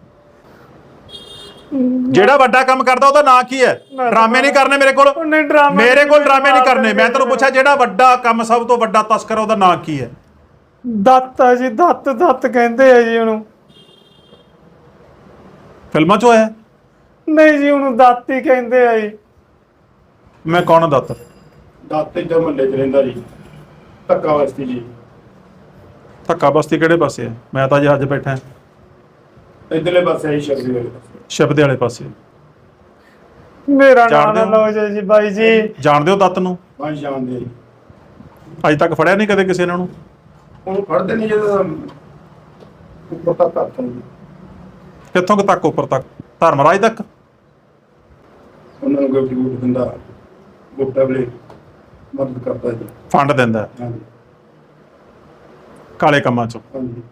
Speaker 1: ਜਿਹੜਾ ਵੱਡਾ ਕੰਮ ਕਰਦਾ ਉਹਦਾ ਨਾਂ ਕੀ ਹੈ? ਡਰਾਮੇ ਨਹੀਂ ਕਰਨੇ ਮੇਰੇ ਕੋਲ। ਮੇਰੇ ਕੋਲ ਡਰਾਮੇ ਨਹੀਂ ਕਰਨੇ। ਮੈਂ ਤੈਨੂੰ ਪੁੱਛਿਆ ਜਿਹੜਾ ਵੱਡਾ ਕੰਮ, ਸਭ ਤੋਂ ਵੱਡਾ ਤਸਕਰ, ਉਹਦਾ ਨਾਂ ਕੀ ਹੈ?
Speaker 3: ਦੱਤ ਆ ਜੀ। ਦੱਤ ਕਹਿੰਦੇ ਆ ਜੀ ਉਹਨੂੰ।
Speaker 1: ਫਿਲਮਾਂ 'ਚ ਹੋਇਆ?
Speaker 3: ਨਹੀਂ ਜੀ, ਉਹਨੂੰ ਦੱਤ ਹੀ ਕਹਿੰਦੇ ਆ ਜੀ।
Speaker 1: ਮੈਂ ਕੌਣ? ਦੱਤ?
Speaker 2: ਦੱਤ ਇੱਧਰ ਮਹੱਲੇ 'ਚ ਰਹਿੰਦਾ ਜੀ, ਧੱਕਾ ਵਸਤੀ ਜੀ।
Speaker 1: ਧੱਕਾ ਬਸਤੀ ਕਿਹੜੇ ਪਾਸੇ ਹੈ? ਮੈਂ ਤਾਂ ਅੱਜ ਬੈਠਾ
Speaker 2: ਇੱਧਰਲੇ ਪਾਸੇ ਆਈ ਸ਼ਬਦੀ ਵਾਲੇ ਪਾਸੇ।
Speaker 1: ਸ਼ਬਦੇ ਵਾਲੇ ਪਾਸੇ।
Speaker 3: ਮੇਰਾ ਨਾਮ ਨਾ ਲਓ ਜੀ ਬਾਈ ਜੀ।
Speaker 1: ਜਾਣਦੇ ਹੋ ਦੱਤ ਨੂੰ?
Speaker 2: ਹਾਂ, ਜਾਣਦੇ ਜੀ।
Speaker 1: ਅੱਜ ਤੱਕ ਫੜਿਆ ਨਹੀਂ ਕਦੇ ਕਿਸੇ ਨੇ ਉਹਨੂੰ?
Speaker 2: ਉਹਨੂੰ ਫੜਦੇ ਨਹੀਂ ਜਦੋਂ ਉੱਪਰ ਤੱਕ ਹੱਥ ਨੂੰ।
Speaker 1: ਕਿੱਥੋਂ ਕੁ ਤੱਕ? ਉੱਪਰ ਤੱਕ? ਧਰਮਰਾਜ ਤੱਕ?
Speaker 2: ਉਹਨਾਂ ਨੂੰ ਗਿਫਟ ਗੁੱਟ ਦਿੰਦਾ, ਗੋਟਾ ਵੇਲੇ ਮਦਦ ਕਰਦਾ ਜੀ।
Speaker 1: ਫੰਡ ਦਿੰਦਾ
Speaker 2: ਹਾਂਜੀ
Speaker 1: ਕਾਲੇ ਕੰਮਾਂ 'ਚੋਂ?
Speaker 2: ਹਾਂਜੀ।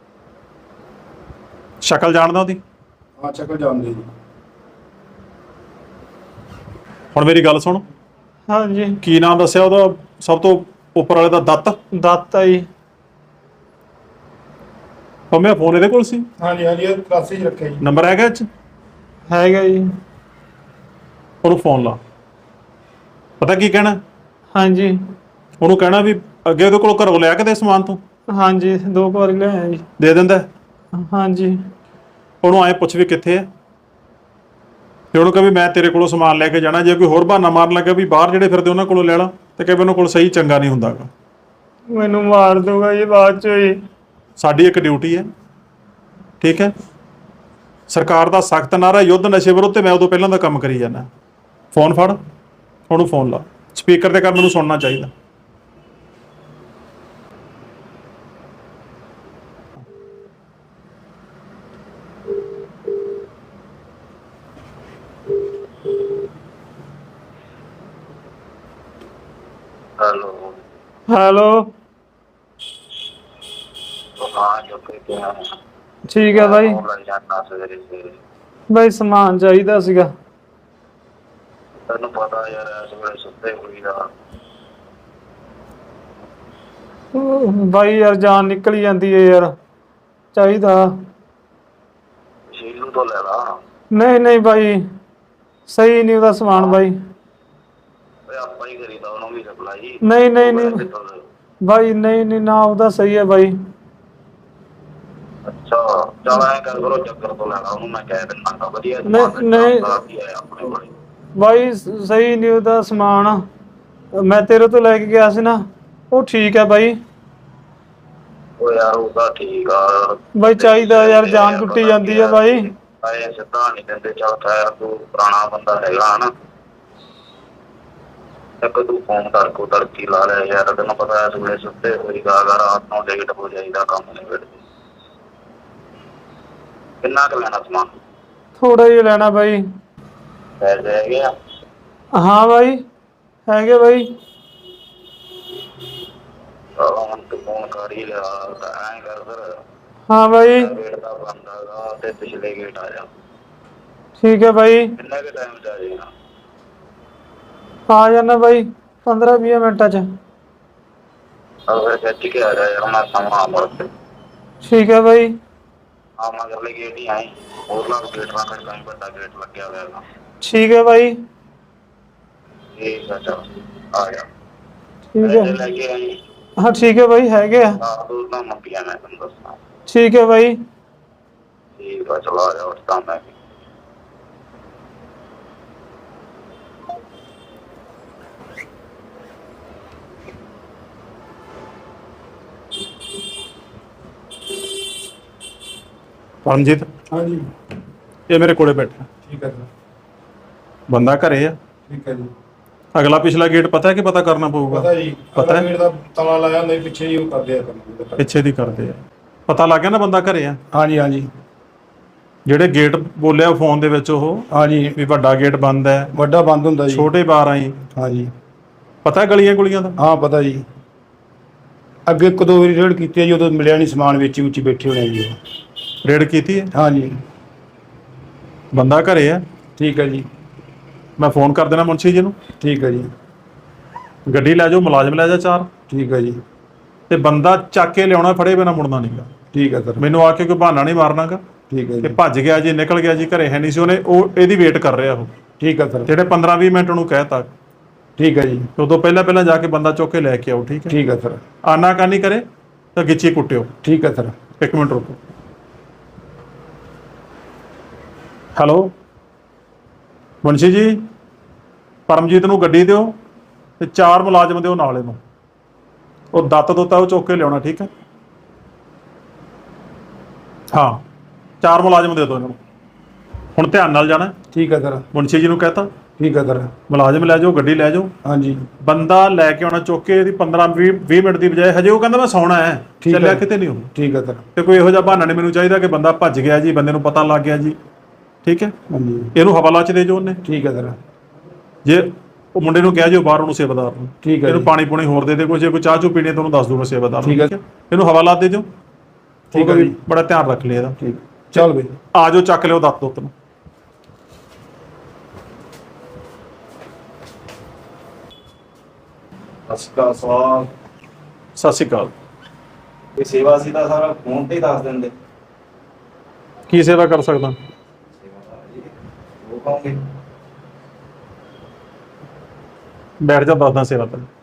Speaker 1: ਸ਼ਕਲ ਜਾਣਦਾ ਉਹਦੀ?
Speaker 2: ਹਾਂ, ਸ਼ਕਲ ਜਾਣਦੇ ਜੀ।
Speaker 1: ਹੁਣ ਮੇਰੀ ਗੱਲ ਸੁਣ।
Speaker 3: ਹਾਂਜੀ।
Speaker 1: ਕੀ ਨਾਮ ਦੱਸਿਆ ਉਹਦਾ ਸਭ ਤੋਂ ਉੱਪਰ ਵਾਲੇ ਦਾ? ਦੱਤ?
Speaker 3: ਦੱਤ ਆ ਜੀ।
Speaker 1: ਪੰਮਿਆ ਫੋਨ ਇਹਦੇ ਕੋਲ ਸੀ?
Speaker 2: ਹਾਂਜੀ ਹਾਂਜੀ, ਇਹ ਕਲਾਸੇ 'ਚ ਰੱਖਿਆ ਜੀ।
Speaker 1: ਨੰਬਰ ਹੈਗਾ ਇਹ 'ਚ?
Speaker 3: ਹੈਗਾ ਜੀ।
Speaker 1: ਉਹਨੂੰ ਫੋਨ ਲਾ। ਪਤਾ ਕੀ ਕਹਿਣਾ?
Speaker 3: ਹਾਂਜੀ
Speaker 1: ਉਹਨੂੰ ਕਹਿਣਾ ਵੀ ਅੱਗੇ ਉਹਦੇ ਕੋਲ ਘਰੋਂ ਲਿਆ ਕੇ ਦੇ ਸਮਾਨ ਤੂੰ
Speaker 3: ਹਾਂਜੀ 2 ਵਾਰੀ ਲਿਆਇਆ ਜੀ।
Speaker 1: ਦੇ ਦਿੰਦਾ।
Speaker 3: ਹਾਂਜੀ
Speaker 1: ਉਹਨੂੰ ਐਂ ਪੁੱਛ ਵੀ ਕਿੱਥੇ ਹੈ, ਤੇ ਉਹਨੂੰ ਕਹੇ ਵੀ ਮੈਂ ਤੇਰੇ ਕੋਲੋਂ ਸਮਾਨ ਲੈ ਕੇ ਜਾਣਾ। ਜੇ ਕੋਈ ਹੋਰ ਬਹਾਨਾ ਮਾਰਨ ਲੱਗਾ ਵੀ ਬਾਹਰ ਜਿਹੜੇ ਫਿਰਦੇ ਉਹਨਾਂ ਕੋਲੋਂ ਲੈ ਲਾ, ਤੇ ਕਹੇ ਉਹਨਾਂ ਕੋਲ ਸਹੀ ਚੰਗਾ ਨਹੀਂ ਹੁੰਦਾ ਗਾ।
Speaker 3: ਮੈਨੂੰ ਮਾਰ ਦੂਗਾ ਜੀ ਬਾਅਦ ਚ ਜੀ।
Speaker 1: ਸਾਡੀ ਇੱਕ ਡਿਊਟੀ ਹੈ, ਠੀਕ ਹੈ। ਸਰਕਾਰ ਦਾ ਸਖਤ ਨਾਰਾ ਯੁੱਧ ਨਸ਼ੇ ਵਿਰੁੱਧ, ਤੇ ਮੈਂ ਉਦੋਂ ਪਹਿਲਾਂ ਦਾ ਕੰਮ ਕਰੀ ਜਾਂਦਾ। ਫੋਨ ਫੜ, ਉਹਨੂੰ ਫੋਨ ਲਾ, ਸਪੀਕਰ ਤੇ ਕਰ, ਮੈਨੂੰ ਸੁਣਨਾ ਚਾਹੀਦਾ।
Speaker 4: ਹੈਲੋ।
Speaker 3: ਹੈਲੋ
Speaker 4: ਹਾਂ ਜੋ ਕਿ ਕਿਹਾ
Speaker 3: ਠੀਕ ਹੈ ਬਾਈ।
Speaker 4: ਲੱਗ ਜਾਂਦਾ ਸਵੇਰੇ ਸਵੇਰੇ।
Speaker 3: ਬਾਈ ਸਮਾਨ ਚਾਹੀਦਾ ਸੀਗਾ।
Speaker 4: ਤੈਨੂੰ ਪਤਾ ਯਾਰ ਇਸ ਵੇਲੇ ਸੁੱਤੇ ਹੋਈ ਦਾ।
Speaker 3: ਬਾਈ ਯਾਰ ਜਾਨ ਨਿਕਲ ਜਾਂਦੀ ਹੈ ਯਾਰ, ਚਾਹੀਦਾ।
Speaker 4: ਸ਼ੀਲੂ ਤੋਂ ਲੈ ਲਾ।
Speaker 3: ਨਹੀਂ ਨਹੀਂ ਬਾਈ, ਸਹੀ ਨਹੀਂ ਉਹਦਾ ਸਮਾਨ ਬਾਈ।
Speaker 4: ਓਏ ਆਪਾਂ ਹੀ ਕਰੀਦਾ ਉਹਨੂੰ ਵੀ ਸਪਲਾਈ।
Speaker 3: ਨਹੀਂ ਨਹੀਂ ਨਹੀਂ ਬਾਈ, ਨਹੀਂ ਨਹੀਂ ਨਾ ਉਹਦਾ ਸਹੀ ਹੈ ਬਾਈ।
Speaker 4: ਅੱਛਾ ਚੱਲ ਐਂ ਕਰ ਕਰੋ, ਚੱਕਰ ਤੋਂ ਲੈਣਾ ਉਹਨੂੰ, ਮੈਂ ਕਹਿ ਦਿੰਦਾ ਤਾਂ ਵਧੀਆ
Speaker 3: ਨਹੀਂ ਨਹੀਂ
Speaker 4: ਆਪਣੇ ਕੋਲ।
Speaker 3: ਬਾਈ ਸਹੀ ਨਹੀਂ ਉਹਦਾ ਸਮਾਨ, ਮੈਂ ਤੇਰੇ ਤੋਂ ਲੈ ਕੇ ਗਿਆ ਸੀ ਨਾ, ਉਹ ਠੀਕ ਹੈ ਬਾਈ।
Speaker 4: ਓ ਯਾਰ ਉਹ ਤਾਂ ਠੀਕ ਆ
Speaker 3: ਬਾਈ ਚਾਹੀਦਾ ਯਾਰ, ਜਾਨ ਟੁੱਟੀ ਜਾਂਦੀ ਹੈ ਬਾਈ।
Speaker 4: ਐ ਸਿੱਧਾ ਨਹੀਂ ਦਿੰਦੇ। ਚੱਲ ਖੈਰ ਤੂੰ ਪੁਰਾਣਾ ਬੰਦਾ ਹੈਗਾ ਹਨਾ, ਇੱਕ ਤੂੰ ਫੋਨ ਕਰਕੇ ਤੜਕੀ ਲਾ ਲਿਆ ਯਾਰ। ਤੈਨੂੰ ਪਤਾ ਇਸ ਵੇਲੇ ਸੁੱਤੇ ਹੋਈ ਗਾ, ਰਾਤ ਨੂੰ ਲੇਟ ਹੋ ਜਾਈਦਾ, ਕੰਮ ਨਹੀਂ ਵੇੜਦੇ। ਕਿੰਨਾ ਕੁ ਲੈਣਾ ਸਮਾਨ?
Speaker 3: ਥੋੜਾ ਜਿਹਾ ਲੈਣਾ ਬਾਈ।
Speaker 4: ਪੈਸੇ ਹੈਗੇ ਆ?
Speaker 3: ਹਾਂ ਬਾਈ ਹੈਗੇ ਬਾਈ।
Speaker 4: ਚਲੋ ਹੁਣ ਤੂੰ ਫੋਨ ਕਰ ਹੀ ਲਿਆ ਤਾਂ ਐਂ ਕਰ ਫਿਰ,
Speaker 3: ਹਾਂ ਬਾਈ
Speaker 4: ਗੇਟ ਦਾ ਬੰਦ ਹੈਗਾ ਤੇ ਪਿਛਲੇ ਗੇਟ ਆ ਜਾ।
Speaker 3: ਠੀਕ ਹੈ ਬਾਈ।
Speaker 4: ਕਿੰਨੇ ਕੁ ਟਾਈਮ ਚ ਆ ਜਾਏਗਾ?
Speaker 3: ਆ ਜਾਣਾ ਬਾਈ 15-20 ਮਿੰਟਾਂ ਚ।
Speaker 4: ਫਿਰ ਖਿੱਚ ਕੇ ਆ ਜਾ ਯਾਰ, ਮੈਂ ਸਮਾਂ ਮੁੜ ਕੇ।
Speaker 3: ਠੀਕ ਹੈ ਬਾਈ।
Speaker 4: ਆ ਮਗਰਲੇ ਗੇਟ ਹੀ ਆਈ, ਹੋਰਲਾ ਗੇਟ ਨਾ ਖੜਕਾਈ, ਵੱਡਾ ਗੇਟ ਲੱਗਿਆ ਹੋਇਆ ਹੈਗਾ।
Speaker 3: ਠੀਕ ਹੈ ਬਾਈ।
Speaker 4: ਠੀਕ ਆ ਚੱਲ ਆ ਜਾ।
Speaker 3: ਠੀਕ
Speaker 4: ਪੈਸੇ
Speaker 3: ਹੈ
Speaker 4: ਲੈ ਕੇ ਆਈ।
Speaker 3: ਹਾਂ ਠੀਕ ਹੈ ਬਾਈ, ਹੈਗੇ ਆ।
Speaker 4: ਦੋ ਤਾਂ ਮੰਗੀਆਂ ਮੈਂ ਤੈਨੂੰ ਦੱਸਾਂ।
Speaker 3: ਠੀਕ ਹੈ ਬਾਈ।
Speaker 4: ਠੀਕ ਆ ਚਲ ਆ ਜਾ ਉਸ ਤਾਂ ਮੈਂ।
Speaker 1: ਪਰਮਜੀਤ,
Speaker 2: ਹਾਂਜੀ
Speaker 1: ਇਹ ਮੇਰੇ ਕੋਲੇ ਬੈਠਾ,
Speaker 2: ਠੀਕ ਹੈ ਸਰ।
Speaker 1: ਬੰਦਾ ਘਰੇ ਆ।
Speaker 2: ਠੀਕ ਹੈ ਜੀ।
Speaker 1: ਅਗਲਾ ਪਿਛਲਾ ਗੇਟ ਪਤਾ ਹੈ ਕਿ ਪਤਾ ਕਰਨਾ ਪਊਗਾ?
Speaker 2: ਪਤਾ ਜੀ,
Speaker 1: ਪਤਾ ਹੈ?
Speaker 2: ਗੇਟ ਦਾ ਤਾਲਾ ਲਾਇਆ ਹੁੰਦਾ, ਪਿੱਛੇ ਹੀ ਉਹ ਕਰਦੇ ਆ ਕੰਮ।
Speaker 1: ਪਿੱਛੇ ਦੀ ਕਰਦੇ ਆ। ਪਤਾ ਲੱਗ ਗਿਆ ਨਾ ਬੰਦਾ ਘਰੇ ਆ?
Speaker 2: ਹਾਂਜੀ ਹਾਂਜੀ
Speaker 1: ਜਿਹੜੇ ਗੇਟ ਬੋਲਿਆ ਫੋਨ ਦੇ ਵਿੱਚ ਉਹ,
Speaker 2: ਹਾਂਜੀ,
Speaker 1: ਵੀ ਵੱਡਾ ਗੇਟ ਬੰਦ ਹੈ,
Speaker 2: ਵੱਡਾ ਬੰਦ ਹੁੰਦਾ ਜੀ।
Speaker 1: ਛੋਟੇ ਬਾਰ ਆਈ,
Speaker 2: ਹਾਂਜੀ
Speaker 1: ਪਤਾ ਗਲੀਆਂ ਗੁਲੀਆਂ ਦਾ?
Speaker 2: ਹਾਂ ਪਤਾ ਜੀ। ਅੱਗੇ ਇੱਕ ਦੋ ਵਾਰੀ ਰੇਡ ਕੀਤੀ ਹੈ ਜੀ, ਉਦੋਂ ਮਿਲਿਆ ਨਹੀਂ ਸਮਾਨ, ਵਿੱਚ ਉੱਚੀ ਬੈਠੇ ਹੋਣੇ ਜੀ ਉਹ।
Speaker 1: ਰੇਡ ਕੀਤੀ ਹੈ?
Speaker 2: ਹਾਂਜੀ
Speaker 1: ਬੰਦਾ ਘਰੇ ਆ।
Speaker 2: ਠੀਕ ਹੈ ਜੀ।
Speaker 1: ਮੈਂ ਫੋਨ ਕਰ ਦੇਣਾ ਮੁਨਸ਼ੀ ਜੀ ਨੂੰ,
Speaker 2: ਠੀਕ ਹੈ ਜੀ।
Speaker 1: ਗੱਡੀ ਲੈ ਜਾਓ, ਮੁਲਾਜ਼ਮ ਲੈ ਜਾ 4,
Speaker 2: ਠੀਕ ਹੈ ਜੀ।
Speaker 1: ਤੇ ਬੰਦਾ ਚੱਕ ਕੇ ਲਿਆਉਣਾ, ਫੜੇ ਬਿਨਾ ਮੁੜਨਾ ਨਹੀਂਗਾ।
Speaker 2: ਠੀਕ ਹੈ ਸਰ।
Speaker 1: ਮੈਨੂੰ ਆ ਕੇ ਕੋਈ ਬਹਾਨਾ ਨਹੀਂ ਮਾਰਨਾਗਾ
Speaker 2: ਠੀਕ ਹੈ
Speaker 1: ਕਿ
Speaker 2: ਜੀ।
Speaker 1: ਭੱਜ ਗਿਆ ਜੀ, ਨਿਕਲ ਗਿਆ ਜੀ, ਘਰੇ ਹੈ ਨਹੀਂ ਸੀ। ਉਹਨੇ ਉਹ ਇਹਦੀ ਵੇਟ ਕਰ ਰਿਹਾ ਉਹ,
Speaker 2: ਠੀਕ ਹੈ ਸਰ।
Speaker 1: ਜਿਹੜੇ 15-20 ਮਿੰਟ ਉਹਨੂੰ ਕਹਿਤਾ।
Speaker 2: ਠੀਕ ਹੈ ਜੀ।
Speaker 1: ਉਦੋਂ ਪਹਿਲਾਂ ਜਾ ਕੇ ਬੰਦਾ ਚੁੱਕ ਕੇ ਲੈ ਕੇ ਆਓ, ਠੀਕ ਹੈ?
Speaker 2: ਠੀਕ ਹੈ ਸਰ।
Speaker 1: ਆਨਾਕਾਨੀ ਕਰੇ ਤਾਂ ਗਿੱਚੀ ਕੁੱਟਿਓ।
Speaker 2: ਠੀਕ ਹੈ ਸਰ।
Speaker 1: 1 ਮਿੰਟ ਰੁਕੋ। ਹੈਲੋ ਮੁਨਸ਼ੀ ਜੀ, ਪਰਮਜੀਤ ਨੂੰ ਗੱਡੀ ਦਿਓ ਤੇ 4 ਮੁਲਾਜ਼ਮ ਦਿਓ ਨਾਲ ਇਹਨੂੰ। ਉਹ ਦੱਤ ਦੁੱਤਾ ਉਹ ਚੁੱਕ ਕੇ ਲਿਆਉਣਾ, ਠੀਕ ਹੈ? ਹਾਂ 4 ਮੁਲਾਜ਼ਮ ਦੇ ਦਿਓ ਇਹਨਾਂ ਨੂੰ। ਹੁਣ ਧਿਆਨ ਨਾਲ ਜਾਣਾ।
Speaker 2: ਠੀਕ ਹੈ ਸਰ।
Speaker 1: ਮੁਨਸ਼ੀ ਜੀ ਨੂੰ ਕਹਤਾ,
Speaker 2: ਠੀਕ ਹੈ ਸਰ।
Speaker 1: ਮੁਲਾਜ਼ਮ ਲੈ ਜਾਓ, ਗੱਡੀ ਲੈ ਜਾਓ,
Speaker 2: ਹਾਂਜੀ
Speaker 1: ਬੰਦਾ ਲੈ ਕੇ ਆਉਣਾ ਚੁੱਕ ਕੇ। ਇਹਦੀ 15-20 ਮਿੰਟ ਦੀ ਬਜਾਏ ਹਜੇ ਉਹ ਕਹਿੰਦਾ ਮੈਂ ਸੌਣਾ ਹੈ,
Speaker 2: ਠੀਕ ਹੈ।
Speaker 1: ਚੱਲਿਆ ਕਿਤੇ ਨਹੀਂ ਉਹ।
Speaker 2: ਠੀਕ ਹੈ ਸਰ।
Speaker 1: ਤੇ ਕੋਈ ਇਹੋ ਜਿਹਾ ਬਹਾਨਾ ਨਹੀਂ ਮੈਨੂੰ ਚਾਹੀਦਾ ਕਿ ਬੰਦਾ ਭੱਜ ਗਿਆ ਜੀ, ਬੰਦੇ ਨੂੰ ਪਤਾ ਲੱਗ ਗਿਆ ਜੀ, ਠੀਕ ਹੈ?
Speaker 2: ਹਾਂਜੀ
Speaker 1: ਇਹਨੂੰ ਹਵਾਲਾ ਚ ਦੇ ਜੋ ਉਹਨੇ।
Speaker 2: ਠੀਕ ਹੈ ਸਰ।
Speaker 1: ਜੇ ਉਹ ਮੁੰਡੇ ਨੂੰ ਕਹਿ ਜਿਓ ਬਾਹਰ ਉਹਨੂੰ, ਸੇਵਾਦਾਰ ਨੂੰ,
Speaker 2: ਠੀਕ ਹੈ
Speaker 1: ਇਹਨੂੰ
Speaker 2: ਜੀ।
Speaker 1: ਪਾਣੀ ਪੂਣੀ ਹੋਰ ਦੇ ਦੇ, ਕੋਈ ਜੇ ਕੋਈ ਚਾਹ ਚੂ ਪੀਣੀ ਤੁਹਾਨੂੰ ਦੱਸ ਦੂੰਗਾ ਸੇਵਾਦਾਰ ਨੂੰ,
Speaker 2: ਠੀਕ ਹੈ।
Speaker 1: ਠੀਕ ਹੈ? ਇਹਨੂੰ ਹਵਾਲਾ ਦੇ ਦਿਓ,
Speaker 2: ਠੀਕ ਹੈ ਜੀ।
Speaker 1: ਬੜਾ ਧਿਆਨ ਰੱਖ ਲਿਆ ਇਹਦਾ।
Speaker 2: ਠੀਕ ਚੱਲ ਬਈ।
Speaker 1: ਆ ਜਾਓ, ਚੱਕ ਲਿਓ ਦੱਤ ਦੁੱਤ ਨੂੰ।
Speaker 2: ਸਤਿ ਸ਼੍ਰੀ ਅਕਾਲ।
Speaker 1: ਸਤਿ ਸ਼੍ਰੀ ਅਕਾਲ।
Speaker 5: ਕੋਈ ਸੇਵਾ ਸੀ ਤਾਂ ਸਾਰਾ ਫੋਨ ਤੇ ਹੀ ਦੱਸ ਦਿੰਦੇ।
Speaker 1: ਕੀ ਸੇਵਾ ਕਰ ਸਕਦਾ?
Speaker 5: ਸੇਵਾ ਤਾਂ ਜੀ ਉਹ ਕਹੋਗੇ।
Speaker 1: ਬੈਠ ਜਾ, ਦੱਸਦਾ ਸੇਵਾ ਤੈਨੂੰ।